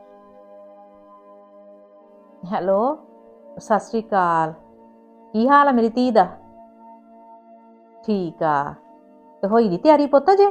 Speaker 1: ਹੈਲੋ ਸਤਿ ਸ੍ਰੀ ਅਕਾਲ। ਕੀ ਹਾਲ ਆ ਮੇਰੀ ਧੀ ਦਾ? ਠੀਕ ਆ। ਤੇ ਹੋਈ ਦੀ ਤਿਆਰੀ ਪੁੱਤ ਜੇ?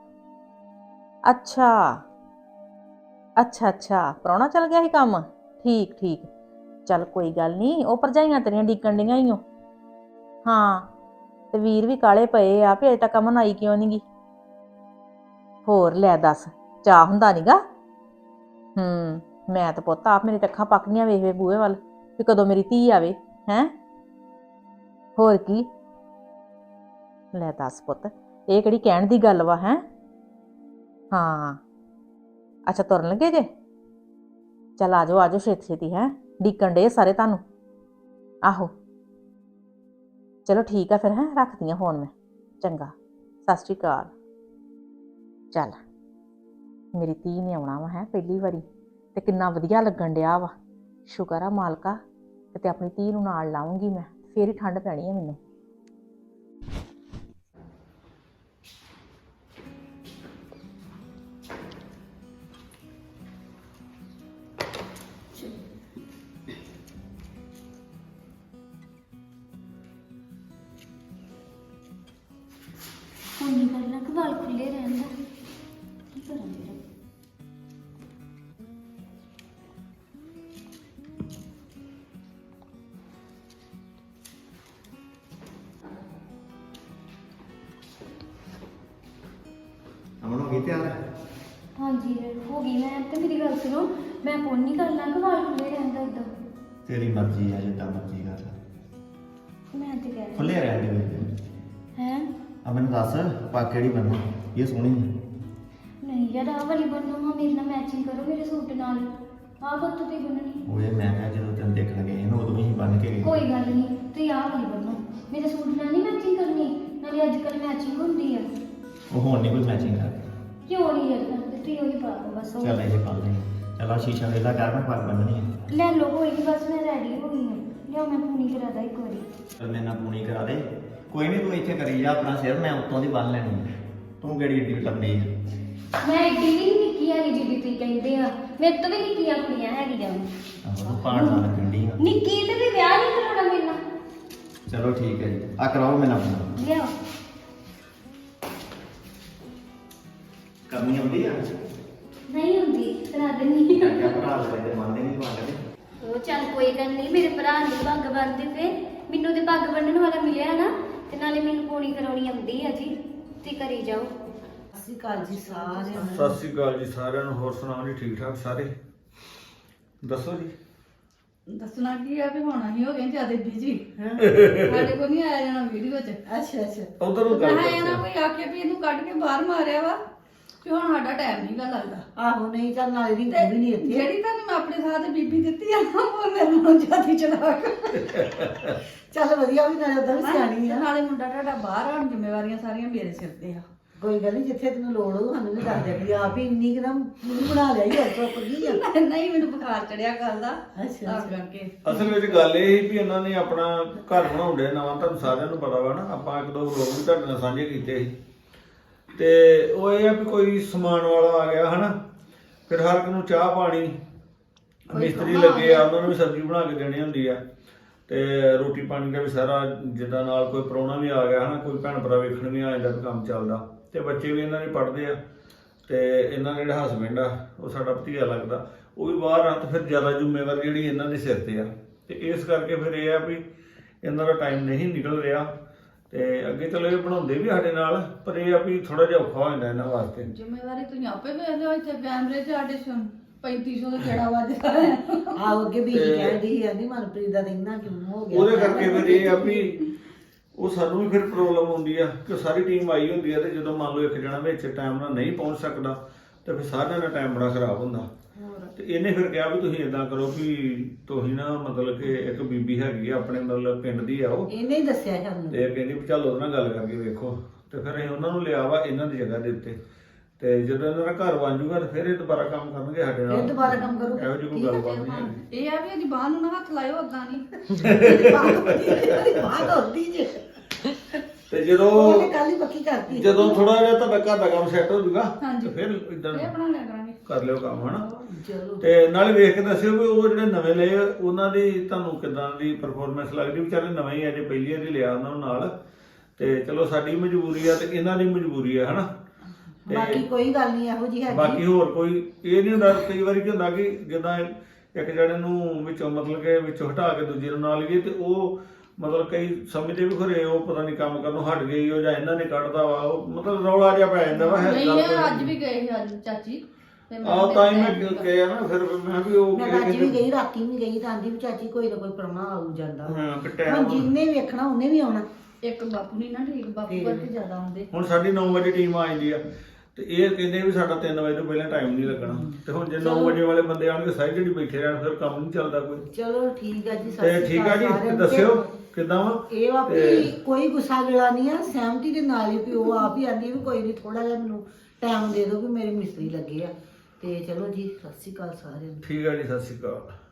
Speaker 1: ਅੱਛਾ ਅੱਛਾ ਅੱਛਾ, ਪ੍ਰਾਹੁਣਾ ਚਲ ਗਿਆ ਸੀ ਕੰਮ। ਠੀਕ ਠੀਕ, ਚੱਲ ਕੋਈ ਗੱਲ ਨਹੀਂ। ਉਹ ਭਰਜਾਈਆਂ ਤੇਰੀਆਂ ਡੀਕਣ ਡੀਆਂ ਹੀ ਓ। ਹਾਂ ਤੇ ਵੀਰ ਵੀ ਕਾਲੇ ਪਏ ਆ ਵੀ ਅਜੇ ਤੱਕ ਅਮਨ ਆਈ ਕਿਉਂ ਨੀ ਗੀ। ਹੋਰ ਲੈ ਦੱਸ, ਚਾਹ ਹੁੰਦਾ ਨੀਗਾ। ਮੈਂ ਤਾਂ ਪੁੱਤ ਆਪ ਮੇਰੀ ਅੱਖਾਂ ਪੱਕੀਆਂ ਵੇਖ ਵੇ ਬੂਹੇ ਵੱਲ ਵੀ ਕਦੋਂ ਮੇਰੀ ਧੀ ਆਵੇ। ਹੈ ਹੋਰ ਕੀ। ਲੈ ਦੱਸ ਪੁੱਤ, ਇਹ ਕਿਹੜੀ ਕਹਿਣ ਦੀ ਗੱਲ ਵਾ। ਹੈ ਹਾਂ ਅੱਛਾ, ਤੁਰਨ ਲੱਗੇ ਜੇ? ਚੱਲ ਆ ਜਾਓ ਛੇਤੀ ਛੇਤੀ। ਹੈ ਡੀਕਣ ਡੇ ਸਾਰੇ ਤੁਹਾਨੂੰ। ਆਹੋ ਚਲੋ ਠੀਕ ਆ ਫਿਰ। ਹੈ ਰੱਖਦੀ ਆ ਫੋਨ ਮੈਂ। ਚੰਗਾ ਸਤਿ ਸ਼੍ਰੀ ਅਕਾਲ। ਚੱਲ ਮੇਰੀ ਧੀ ਨੇ ਆਉਣਾ ਵਾ ਹੈ ਪਹਿਲੀ ਵਾਰੀ, ਤੇ ਕਿੰਨਾ ਵਧੀਆ ਲੱਗਣ ਡਿਆ ਵਾ। ਸ਼ੁਕਰ ਆ ਮਾਲਕਾ, ਤੇ ਆਪਣੀ ਧੀ ਨੂੰ ਨਾਲ ਲਾਉਂਗੀ ਮੈਂ, ਫੇਰ ਹੀ ਠੰਡ ਪੈਣੀ ਹੈ ਮੈਨੂੰ।
Speaker 6: ਹੁਣ ਨਹੀਂ ਕਰਨਾ ਕਿ ਵਾਲ ਖੁੱਲੇ ਰਹਿਣ ਦਾ। ਕੀ ਕਰਾਂ ਫਿਰ?
Speaker 8: ਅਮਨ ਹੋ ਗਈ ਤਿਆਰ?
Speaker 6: ਹਾਂਜੀ ਹੋ ਗਈ ਮੈਂ। ਤੇ ਮੇਰੀ ਗੱਲ ਸੁਣੋ, ਮੈਂ ਫੋਨ ਨਹੀਂ ਕਰਨਾ ਕਿ ਵਾਲ ਖੁੱਲੇ ਰਹਿਣ ਦਾ ਏਦਾਂ।
Speaker 8: ਤੇਰੀ ਮਰਜ਼ੀ ਆ, ਜਿੱਦਾਂ ਮਰਜ਼ੀ ਕਰ।
Speaker 6: ਮੈਂ ਤੇ ਕਹਿ
Speaker 8: ਖੁੱਲੇ ਰਹਿਣ ਦੇ।
Speaker 6: ਹੈ
Speaker 8: ਆ ਮੈਨੂੰ ਦੱਸ ਪਾ ਕਿਹੜੀ ਬੰਨ੍ਹਣੀ? ਇਹ ਸੋਹਣੀ ਹੈ।
Speaker 6: ਨਹੀਂ ਯਾਰ ਆਹ ਵਾਲੀ ਬੰਨੋ ਹਾਂ, ਮੇਰੇ ਨਾਲ ਮੈਚਿੰਗ ਕਰੋ ਮੇਰੇ ਸੂਟ ਨਾਲ। ਆਹ ਬੱਤੂ ਤੇ ਬੰਨਣੀ।
Speaker 8: ਓਏ ਮੈਂ ਕਿਹਾ ਜਦੋਂ ਤੈਨੂੰ ਦੇਖਣ ਗਏ ਨਾ ਉਦੋਂ ਹੀ ਬੰਨ ਕੇ ਗਏ।
Speaker 6: ਕੋਈ ਗੱਲ ਨਹੀਂ, ਤੁਸੀਂ ਆਹ ਵਾਲੀ ਬੰਨੋ। ਮੇਰੇ ਸੂਟ ਨਾਲ ਨਹੀਂ ਮੈਚਿੰਗ ਕਰਨੀ, ਨਾਲੇ ਅੱਜ ਕੱਲ੍ਹ ਮੈਚਿੰਗ ਹੁੰਦੀ ਆ।
Speaker 8: ਉਹ ਹੁਣ ਨਹੀਂ ਕੋਈ ਮੈਚਿੰਗ ਕਰਦੀ।
Speaker 6: ਕਿਉਂ ਨਹੀਂ ਯਾਰ ਕਰਦੇ? ਤੁਸੀਂ ਉਹੀ ਪਾ ਲਓ ਬਸ। ਉਹ
Speaker 8: ਚੱਲ ਇਹ ਪਾ ਲੈ। ਚੱਲ ਆ ਸ਼ੀਸ਼ਾ ਵੇਲਾ ਕਰ, ਮੈਂ ਪੱਗ ਬੰਨਣੀ ਹੈ।
Speaker 6: ਲੈ ਲਓ, ਕੋਈ ਨਹੀਂ ਬਸ ਮੈਂ ਰੈਡੀ ਹੋ ਗਈ ਹਾਂ। ਲਿਆਓ ਮੈਂ ਪੂਣੀ ਕਰਾ ਦਾਂ ਇੱਕ ਵਾਰੀ।
Speaker 8: ਚੱਲ ਮੇਰੇ ਨਾਲ ਪੂਣੀ ਕਰਾ ਦੇ। ਕੋਈ ਨਹੀਂ ਤੂੰ ਇੱਥੇ ਕਰੀ ਜਾ ਆਪਣਾ ਸਿਰ, ਮੈਂ ਉੱਤੋਂ ਦੀ ਬੰਨ ਲੈਣੀ ਹੈ। ਤੂੰ ਕਿਹੜੀ ਏਡੀ ਲੰਮੀ ਹੈ?
Speaker 6: ਮੈਂ ਏਡੀ ਵੀ ਨਹੀਂ ਨਿੱਕੀ ਹੈਗੀ ਜਿੱਡੀ ਤੁਸੀਂ ਕਹਿੰਦੇ ਆ। ਮੇਰੇ ਤੋਂ ਵੀ ਨਿੱਕੀਆਂ ਕੁੜੀਆਂ ਹੈਗੀਆਂ।
Speaker 8: ਆਹੋ ਤੂੰ ਪਾਣ ਨਾਲ ਲੱਗਣੀ ਆ।
Speaker 6: ਨਿੱਕੀ ਤੇ ਵੀ ਵਿਆਹ ਨਹੀਂ ਕਰਾਉਣਾ ਮੇਰੇ ਨਾਲ।
Speaker 8: ਚਲੋ ਠੀਕ ਹੈ ਜੀ, ਆ ਕਰਾਓ ਮੇਰੇ ਨਾਲ ਆਪਣਾ।
Speaker 6: ਲਿਆਓ।
Speaker 8: ਕਰਨੀ ਆਉਂਦੀ ਆ?
Speaker 6: ਨਹੀਂ ਹੁੰਦੀ, ਕਰਾ ਦੇਣੀ।
Speaker 8: ਕਿਆ ਭਰਾ ਲੈ ਤੇ ਮੰਨਦੇ ਨਹੀਂ ਤੁਹਾਡੇ।
Speaker 6: ਉਹ ਚੱਲ ਕੋਈ ਗੱਲ ਨਹੀਂ, ਮੇਰੇ ਭਰਾ ਨੇ ਪੱਗ ਬੰਨ੍ਹਦੇ ਪਏ, ਮੈਨੂੰ ਤੇ ਪੱਗ ਬੰਨ੍ਹਣ ਵਾਲਾ ਮਿਲਿਆ ਨਾ, ਤੇ ਨਾਲੇ ਮੈਨੂੰ ਪੂਣੀ ਕਰਾਉਣੀ ਆਉਂਦੀ ਆ ਜੀ, ਤੇ ਕਰੀ ਜਾਓ।
Speaker 5: ਸਤਿ ਸ਼੍ਰੀ ਅਕਾਲ ਜੀ ਸਾਰਿਆਂ ਨੂੰ।
Speaker 2: ਸਤਿ ਸ੍ਰੀ ਅਕਾਲ ਜੀ ਸਾਰਿਆਂ ਨੂੰ। ਹੋਰ ਸੁਣਾਓ ਜੀ, ਠੀਕ ਠਾਕ ਸਾਰੇ? ਦੱਸੋ ਜੀ।
Speaker 9: ਦੱਸਣਾ ਕੀ ਆ ਵੀ ਹੁਣ ਅਸੀਂ ਹੋ ਗਏ ਜਿਆਦਾ ਬਿਜੀ ਸਾਡੇ ਕੋਲ ਨਹੀਂ ਆਇਆ ਜਾਣਾ ਵੀਡੀਓ 'ਚ।
Speaker 5: ਅੱਛਾ
Speaker 2: ਉਧਰ ਨੂੰ ਗੱਲ
Speaker 9: ਮੈਂ ਨਾ ਕੋਈ ਆਖੇ ਵੀ ਇਹਨੂੰ ਕੱਢ ਕੇ ਬਾਹਰ ਮਾਰਿਆ ਵਾ ਵੀ ਹੁਣ ਸਾਡਾ ਟਾਈਮ ਨਹੀਂ ਗਾ ਲੱਗਦਾ।
Speaker 5: ਆਹੋ ਨਹੀਂ ਚੱਲ ਨਾਲੇ ਦੀ ਵੀ ਨਹੀਂ ਇੱਥੇ।
Speaker 9: ਜਿਹੜੀ ਤੁਹਾਨੂੰ ਮੈਂ ਆਪਣੇ ਸਾਹ ਤੇ ਬੀਬੀ ਦਿੱਤੀ ਆ ਨਾ, ਉਹ ਮੇਰੇ ਨਾਲ ਜਿਆਦੀ ਚਲਾਕ
Speaker 5: ਚੱਲ ਵਧੀਆ ਵੀ ਨਾਲੇ ਉਧਰ ਵੀ ਸਿਆਣੀ ਆ।
Speaker 9: ਨਾਲੇ ਮੁੰਡਾ ਤੁਹਾਡਾ ਬਾਹਰ ਹੁਣ ਜ਼ਿੰਮੇਵਾਰੀਆਂ ਸਾਰੀਆਂ ਮੇਰੇ ਸਿਰ ਤੇ ਆ।
Speaker 5: ਕੋਈ ਗੱਲ ਨਹੀਂ, ਜਿੱਥੇ ਤੈਨੂੰ ਲੋੜ ਹੋ ਸਾਨੂੰ ਵੀ ਦੱਸ ਦਿਆ ਕਿ ਆਪ ਹੀ ਇੰਨੀ ਕਦਮ ਬਣਾ ਲਿਆ ਹੀ ਹੋਰ ਚੁੱਪ ਗਈ ਆ।
Speaker 9: ਨਹੀਂ ਮੈਨੂੰ ਬੁਖਾਰ ਚੜਿਆ ਕੱਲ ਦਾ,
Speaker 5: ਅੱਛਾ
Speaker 9: ਤਾਂ ਕਰਕੇ।
Speaker 2: ਅਸਲ ਵਿੱਚ ਗੱਲ ਇਹ ਸੀ ਵੀ ਇਹਨਾਂ ਨੇ ਆਪਣਾ ਘਰ ਬਣਾਉਂਦੇ ਨਵਾਂ, ਤੁਹਾਨੂੰ ਸਾਰਿਆਂ ਨੂੰ ਪਤਾ ਵਾ ਨਾ, ਆਪਾਂ ਇੱਕ ਦੋ ਲੋਕ ਵੀ ਤੁਹਾਡੇ ਨਾਲ ਸਾਂਝੇ ਕੀਤੇ ਸੀ। ਤੇ ਉਹ ਇਹ ਆ ਵੀ ਕੋਈ ਸਮਾਨ ਵਾਲਾ ਆ ਗਿਆ ਹਨਾ, ਫਿਰ ਹਰ ਇੱਕ ਨੂੰ ਚਾਹ ਪਾਣੀ, ਮਿਸਤਰੀ ਲੱਗੇ ਆ, ਉਹਨਾਂ ਨੂੰ ਵੀ ਸਬਜ਼ੀ ਬਣਾ ਕੇ ਦੇਣੀ ਹੁੰਦੀ ਆ, ਤੇ ਰੋਟੀ ਪਾਣੀ ਦਾ ਵੀ ਸਾਰਾ, ਜਿੱਦਾਂ ਨਾਲ ਕੋਈ ਪ੍ਰਾਹੁਣਾ ਵੀ ਆ ਗਿਆ ਹਨਾ, ਕੋਈ ਭੈਣ ਭਰਾ ਵੇਖਣ ਵੀ ਆ ਜਾਂਦਾ ਵੀ ਕੰਮ ਚੱਲਦਾ, ਤੇ ਬੱਚੇ ਵੀ ਇਹਨਾਂ ਦੇ ਪੜ੍ਹਦੇ ਆ, ਤੇ ਇਹਨਾਂ ਦਾ ਜਿਹੜਾ ਹਸਬੈਂਡ ਆ ਉਹ ਸਾਡਾ ਭਤੀਜਾ ਲੱਗਦਾ, ਉਹ ਵੀ ਬਾਹਰ ਆ, ਤੇ ਫਿਰ ਜ਼ਿਆਦਾ ਜ਼ਿੰਮੇਵਾਰੀ ਜਿਹੜੀ ਇਹਨਾਂ ਦੇ ਸਿਰ ਤੇ ਆ, ਤੇ ਇਸ ਕਰਕੇ ਫਿਰ ਇਹ ਆ ਵੀ ਇਹਨਾਂ ਦਾ ਟਾਈਮ ਨਹੀਂ ਨਿਕਲ ਰਿਹਾ। ਤੇ ਅੱਗੇ ਚਲੋ ਇਹ ਬਣਾਉਂਦੇ ਵੀ ਸਾਡੇ ਨਾਲ, ਪਰ ਇਹ ਆ ਵੀ ਥੋੜਾ ਜਿਹਾ ਔਖਾ ਹੋ ਜਾਂਦਾ ਇਹਨਾਂ ਵਾਸਤੇ।
Speaker 9: ਜ਼ਿੰਮੇਵਾਰੀ ਤੁਸੀਂ ਆਪੇ ਵੇਖ ਲਿਓ, ਇੱਥੇ ਕੈਮਰੇ 'ਚ ਸਾਡੇ 3500 ਦਾ ਕਿਹੜਾ ਵੱਜਦਾ ਹੈ।
Speaker 5: ਆਹ ਅੱਗੇ ਵੀ ਕਹਿੰਦੀ ਸੀ ਆਂਦੀ ਮਨਪ੍ਰੀਤ ਦਾ ਇੰਨਾ ਕਿਉਂ ਹੋ ਗਿਆ।
Speaker 2: ਉਹਦੇ ਕਰਕੇ ਫਿਰ ਇਹ ਆ ਵੀ ਉਹ ਸਾਨੂੰ ਵੀ ਫਿਰ ਪ੍ਰੋਬਲਮ ਹੁੰਦੀ ਆ ਕਿ ਸਾਰੀ ਟੀਮ ਆਈ ਹੁੰਦੀ ਆ, ਤੇ ਜਦੋਂ ਮੰਨ ਲਓ ਇੱਕ ਜਣਾ ਵਿੱਚ ਟਾਈਮ ਨਾਲ ਨਹੀਂ ਪਹੁੰਚ ਸਕਦਾ, ਤੇ ਫਿਰ ਸਾਰਿਆਂ ਦਾ ਟਾਈਮ ਬੜਾ ਖਰਾਬ ਹੁੰਦਾ। ਤੇ ਇਹਨੇ ਫਿਰ ਕਿਹਾ ਵੀ ਤੁਸੀਂ ਇਦਾਂ ਕਰੋ ਵੀ ਤੁਸੀਂ ਨਾ ਮਤਲਬ ਕਿ ਇੱਕ ਬੀਬੀ ਹੈਗੀ ਆ ਆਪਣੇ ਮਤਲਬ ਪਿੰਡ ਦੀ ਆ ਉਹ,
Speaker 5: ਇਹਨੇ ਹੀ ਦੱਸਿਆ ਸਾਨੂੰ।
Speaker 2: ਤੇ ਕਹਿੰਦੀ ਵੀ ਚੱਲ ਉਹਦੇ ਨਾਲ ਗੱਲ ਕਰਕੇ ਵੇਖੋ, ਤੇ ਫਿਰ ਅਸੀਂ ਉਹਨਾਂ ਨੂੰ ਲਿਆ ਵਾ ਇਹਨਾਂ ਦੀ ਜਗ੍ਹਾ ਦੇ ਉੱਤੇ, ਤੇ ਜਦੋਂ ਇਹਨਾਂ ਦਾ ਘਰ ਬਣ ਜੂਗਾ ਤੇ ਫਿਰ ਇਹ ਦੁਬਾਰਾ ਕੰਮ ਕਰਨਗੇ ਸਾਡੇ ਨਾਲ।
Speaker 5: ਫਿਰ ਦੁਬਾਰਾ ਕੰਮ ਕਰੂਗਾ।
Speaker 2: ਇਹੋ ਜਿਹੀ ਕੋਈ ਗੱਲਬਾਤ ਨਹੀਂ ਹੈਗੀ।
Speaker 9: ਇਹ ਆ ਵੀ ਇਹਦੀ ਬਾਹ ਨੂੰ ਨਾ ਹੱਥ ਲਾਇਓ, ਓਦਾਂ ਨਹੀਂ।
Speaker 5: ਬਾਤ ਹੁੰਦੀ ਜੇ
Speaker 2: ਤੇ ਜਦੋਂ
Speaker 5: ਉਹਨੇ ਕੱਲ ਹੀ ਪੱਕੀ ਕਰਤੀ।
Speaker 2: ਜਦੋਂ ਥੋੜਾ ਜਿਹਾ ਤੁਹਾਡਾ ਘਰ ਦਾ ਕੰਮ ਸੈੱਟ ਹੋ ਜੂਗਾ,
Speaker 9: ਹਾਂਜੀ।
Speaker 2: ਤੇ ਫਿਰ ਇਦਾਂ
Speaker 9: ਇਹ ਬਣਾ ਲਿਆ ਕਰਾਂਗੇ।
Speaker 2: ਕਰ ਲਿਓ ਕੰਮ ਹਨਾ।
Speaker 5: ਚਲੋ
Speaker 2: ਤੇ ਨਾਲੇ ਵੇਖ ਕੇ ਦੱਸਿਓ ਵੀ ਉਹ ਜਿਹੜੇ ਨਵੇਂ ਲਏ ਆ, ਉਹਨਾਂ ਦੀ ਤੁਹਾਨੂੰ ਕਿਦਾਂ ਦੀ ਪਰਫਾਰਮੈਂਸ ਲੱਗਦੀ। ਵਿਚਾਰੇ ਨਵੇਂ ਹੀ ਅਜੇ ਪਹਿਲੀ ਵਾਰੀ ਲਿਆ ਉਹਨਾਂ ਨੂੰ ਨਾਲ, ਤੇ ਚਲੋ ਸਾਡੀ ਮਜਬੂਰੀ ਆ ਤੇ ਇਹਨਾਂ ਦੀ ਮਜਬੂਰੀ ਆ ਹਨਾ। ਤੇ
Speaker 5: ਬਾਕੀ ਕੋਈ ਗੱਲ ਨਹੀਂ ਇਹੋ ਜੀ ਹੈਗੀ।
Speaker 2: ਬਾਕੀ ਹੋਰ ਕੋਈ ਇਹ ਨਹੀਂ ਹੁੰਦਾ। ਕਈ ਵਾਰੀ ਕੀ ਹੁੰਦਾ ਕਿ ਜਿੱਦਾਂ ਇੱਕ ਜਣੇ ਨੂੰ ਵਿੱਚੋਂ ਮਤਲਬ ਕਿ ਵਿੱਚੋਂ ਹਟਾ ਕੇ ਦੂਜੇ ਨੂੰ ਨਾਲ ਲਈਏ, ਤੇ ਉਹ ਮਤਲਬ ਕਈ ਸਮਝਦੇ ਵੀ ਖਰੇ ਉਹ ਪਤਾ ਨਹੀਂ ਕੰਮ ਕਰਨੋਂ ਹਟ ਗਈ ਉਹ, ਜਾਂ ਇਹਨਾਂ ਨੇ ਕੱਢਦਾ ਵਾ, ਉਹ ਮਤਲਬ ਰੌਲਾ ਜਿਹਾ ਪੈ ਜਾਂਦਾ ਵਾ।
Speaker 9: ਨਹੀਂ ਇਹ ਅੱਜ ਵੀ ਗਏ ਸੀ ਅੱਜ ਚਾਚੀ ਤੇ
Speaker 2: ਆਹ ਤਾਂ ਹੀ ਮੈਂ ਕਿਹਾ ਨਾ, ਫਿਰ ਮੈਂ ਵੀ ਉਹ
Speaker 5: ਮੈਂ ਅੱਜ ਵੀ ਗਈ, ਰਾਤੀ ਵੀ ਗਈ, ਤਾਂ ਆਂਦੀ ਵੀ ਚਾਚੀ ਕੋਈ ਨਾ ਕੋਈ ਪ੍ਰਾਹੁਣਾ ਆਉ ਜਾਂਦਾ।
Speaker 2: ਹਾਂ ਪਿੱਟਿਆ
Speaker 5: ਹੁਣ ਜਿੰਨੇ ਵੇਖਣਾ ਉਹਨੇ ਵੀ ਆਉਣਾ।
Speaker 9: ਇੱਕ ਬਾਪੂ ਨਹੀਂ ਨਾ ਠੀਕ, ਬਾਪੂ ਕਰਕੇ ਜ਼ਿਆਦਾ ਆਉਂਦੇ।
Speaker 2: ਹੁਣ ਸਾਡੀ 9 ਵਜੇ ਟੀਮ ਆ ਜਾਂਦੀ ਆ, ਤੇ ਇਹ ਕਹਿੰਦੇ ਵੀ ਸਾਡਾ 3 ਵਜੇ ਤੋਂ ਪਹਿਲਾਂ ਟਾਈਮ ਨਹੀਂ ਲੱਗਣਾ, ਤੇ ਹੁਣ ਜੇ 9 ਵਜੇ ਵਾਲੇ ਬੰਦੇ ਆਣਗੇ ਸਾਰੀ ਜਿਹੜੀ ਬੈਠੇ ਰਹਿਣ, ਫਿਰ ਕੰਮ ਨਹੀਂ ਚੱਲਦਾ ਕੋਈ।
Speaker 5: ਚਲੋ ਠੀਕ ਆ ਜੀ,
Speaker 2: ਤੇ ਠੀਕ ਆ ਜੀ, ਤੇ ਦੱਸਿਓ ਕਿੱਦਾਂ ਵਾ।
Speaker 5: ਇਹ ਵਾ ਵੀ ਕੋਈ ਗੁੱਸਾ ਗਿਲਾ ਨਹੀਂ ਆ, ਸਹਿਮਤੀ ਦੇ ਨਾਲ ਹੀ ਵੀ ਉਹ ਆਪ ਹੀ ਆਂਦੀ ਵੀ ਕੋਈ ਨਹੀਂ, ਥੋੜਾ ਜਿਹਾ ਮੈਨੂੰ ਟਾਈਮ ਦੇ ਦਿਓ ਵੀ ਮੇਰੇ ਮਿਸਤਰੀ ਲੱਗੇ ਆ। ਤੇ ਚਲੋ ਜੀ, ਸਤਿ ਸ਼੍ਰੀ ਅਕਾਲ ਸਾਰਿਆਂ ਨੂੰ।
Speaker 2: ਠੀਕ ਆ ਜੀ, ਸਤਿ ਸ਼੍ਰੀ ਅਕਾਲ।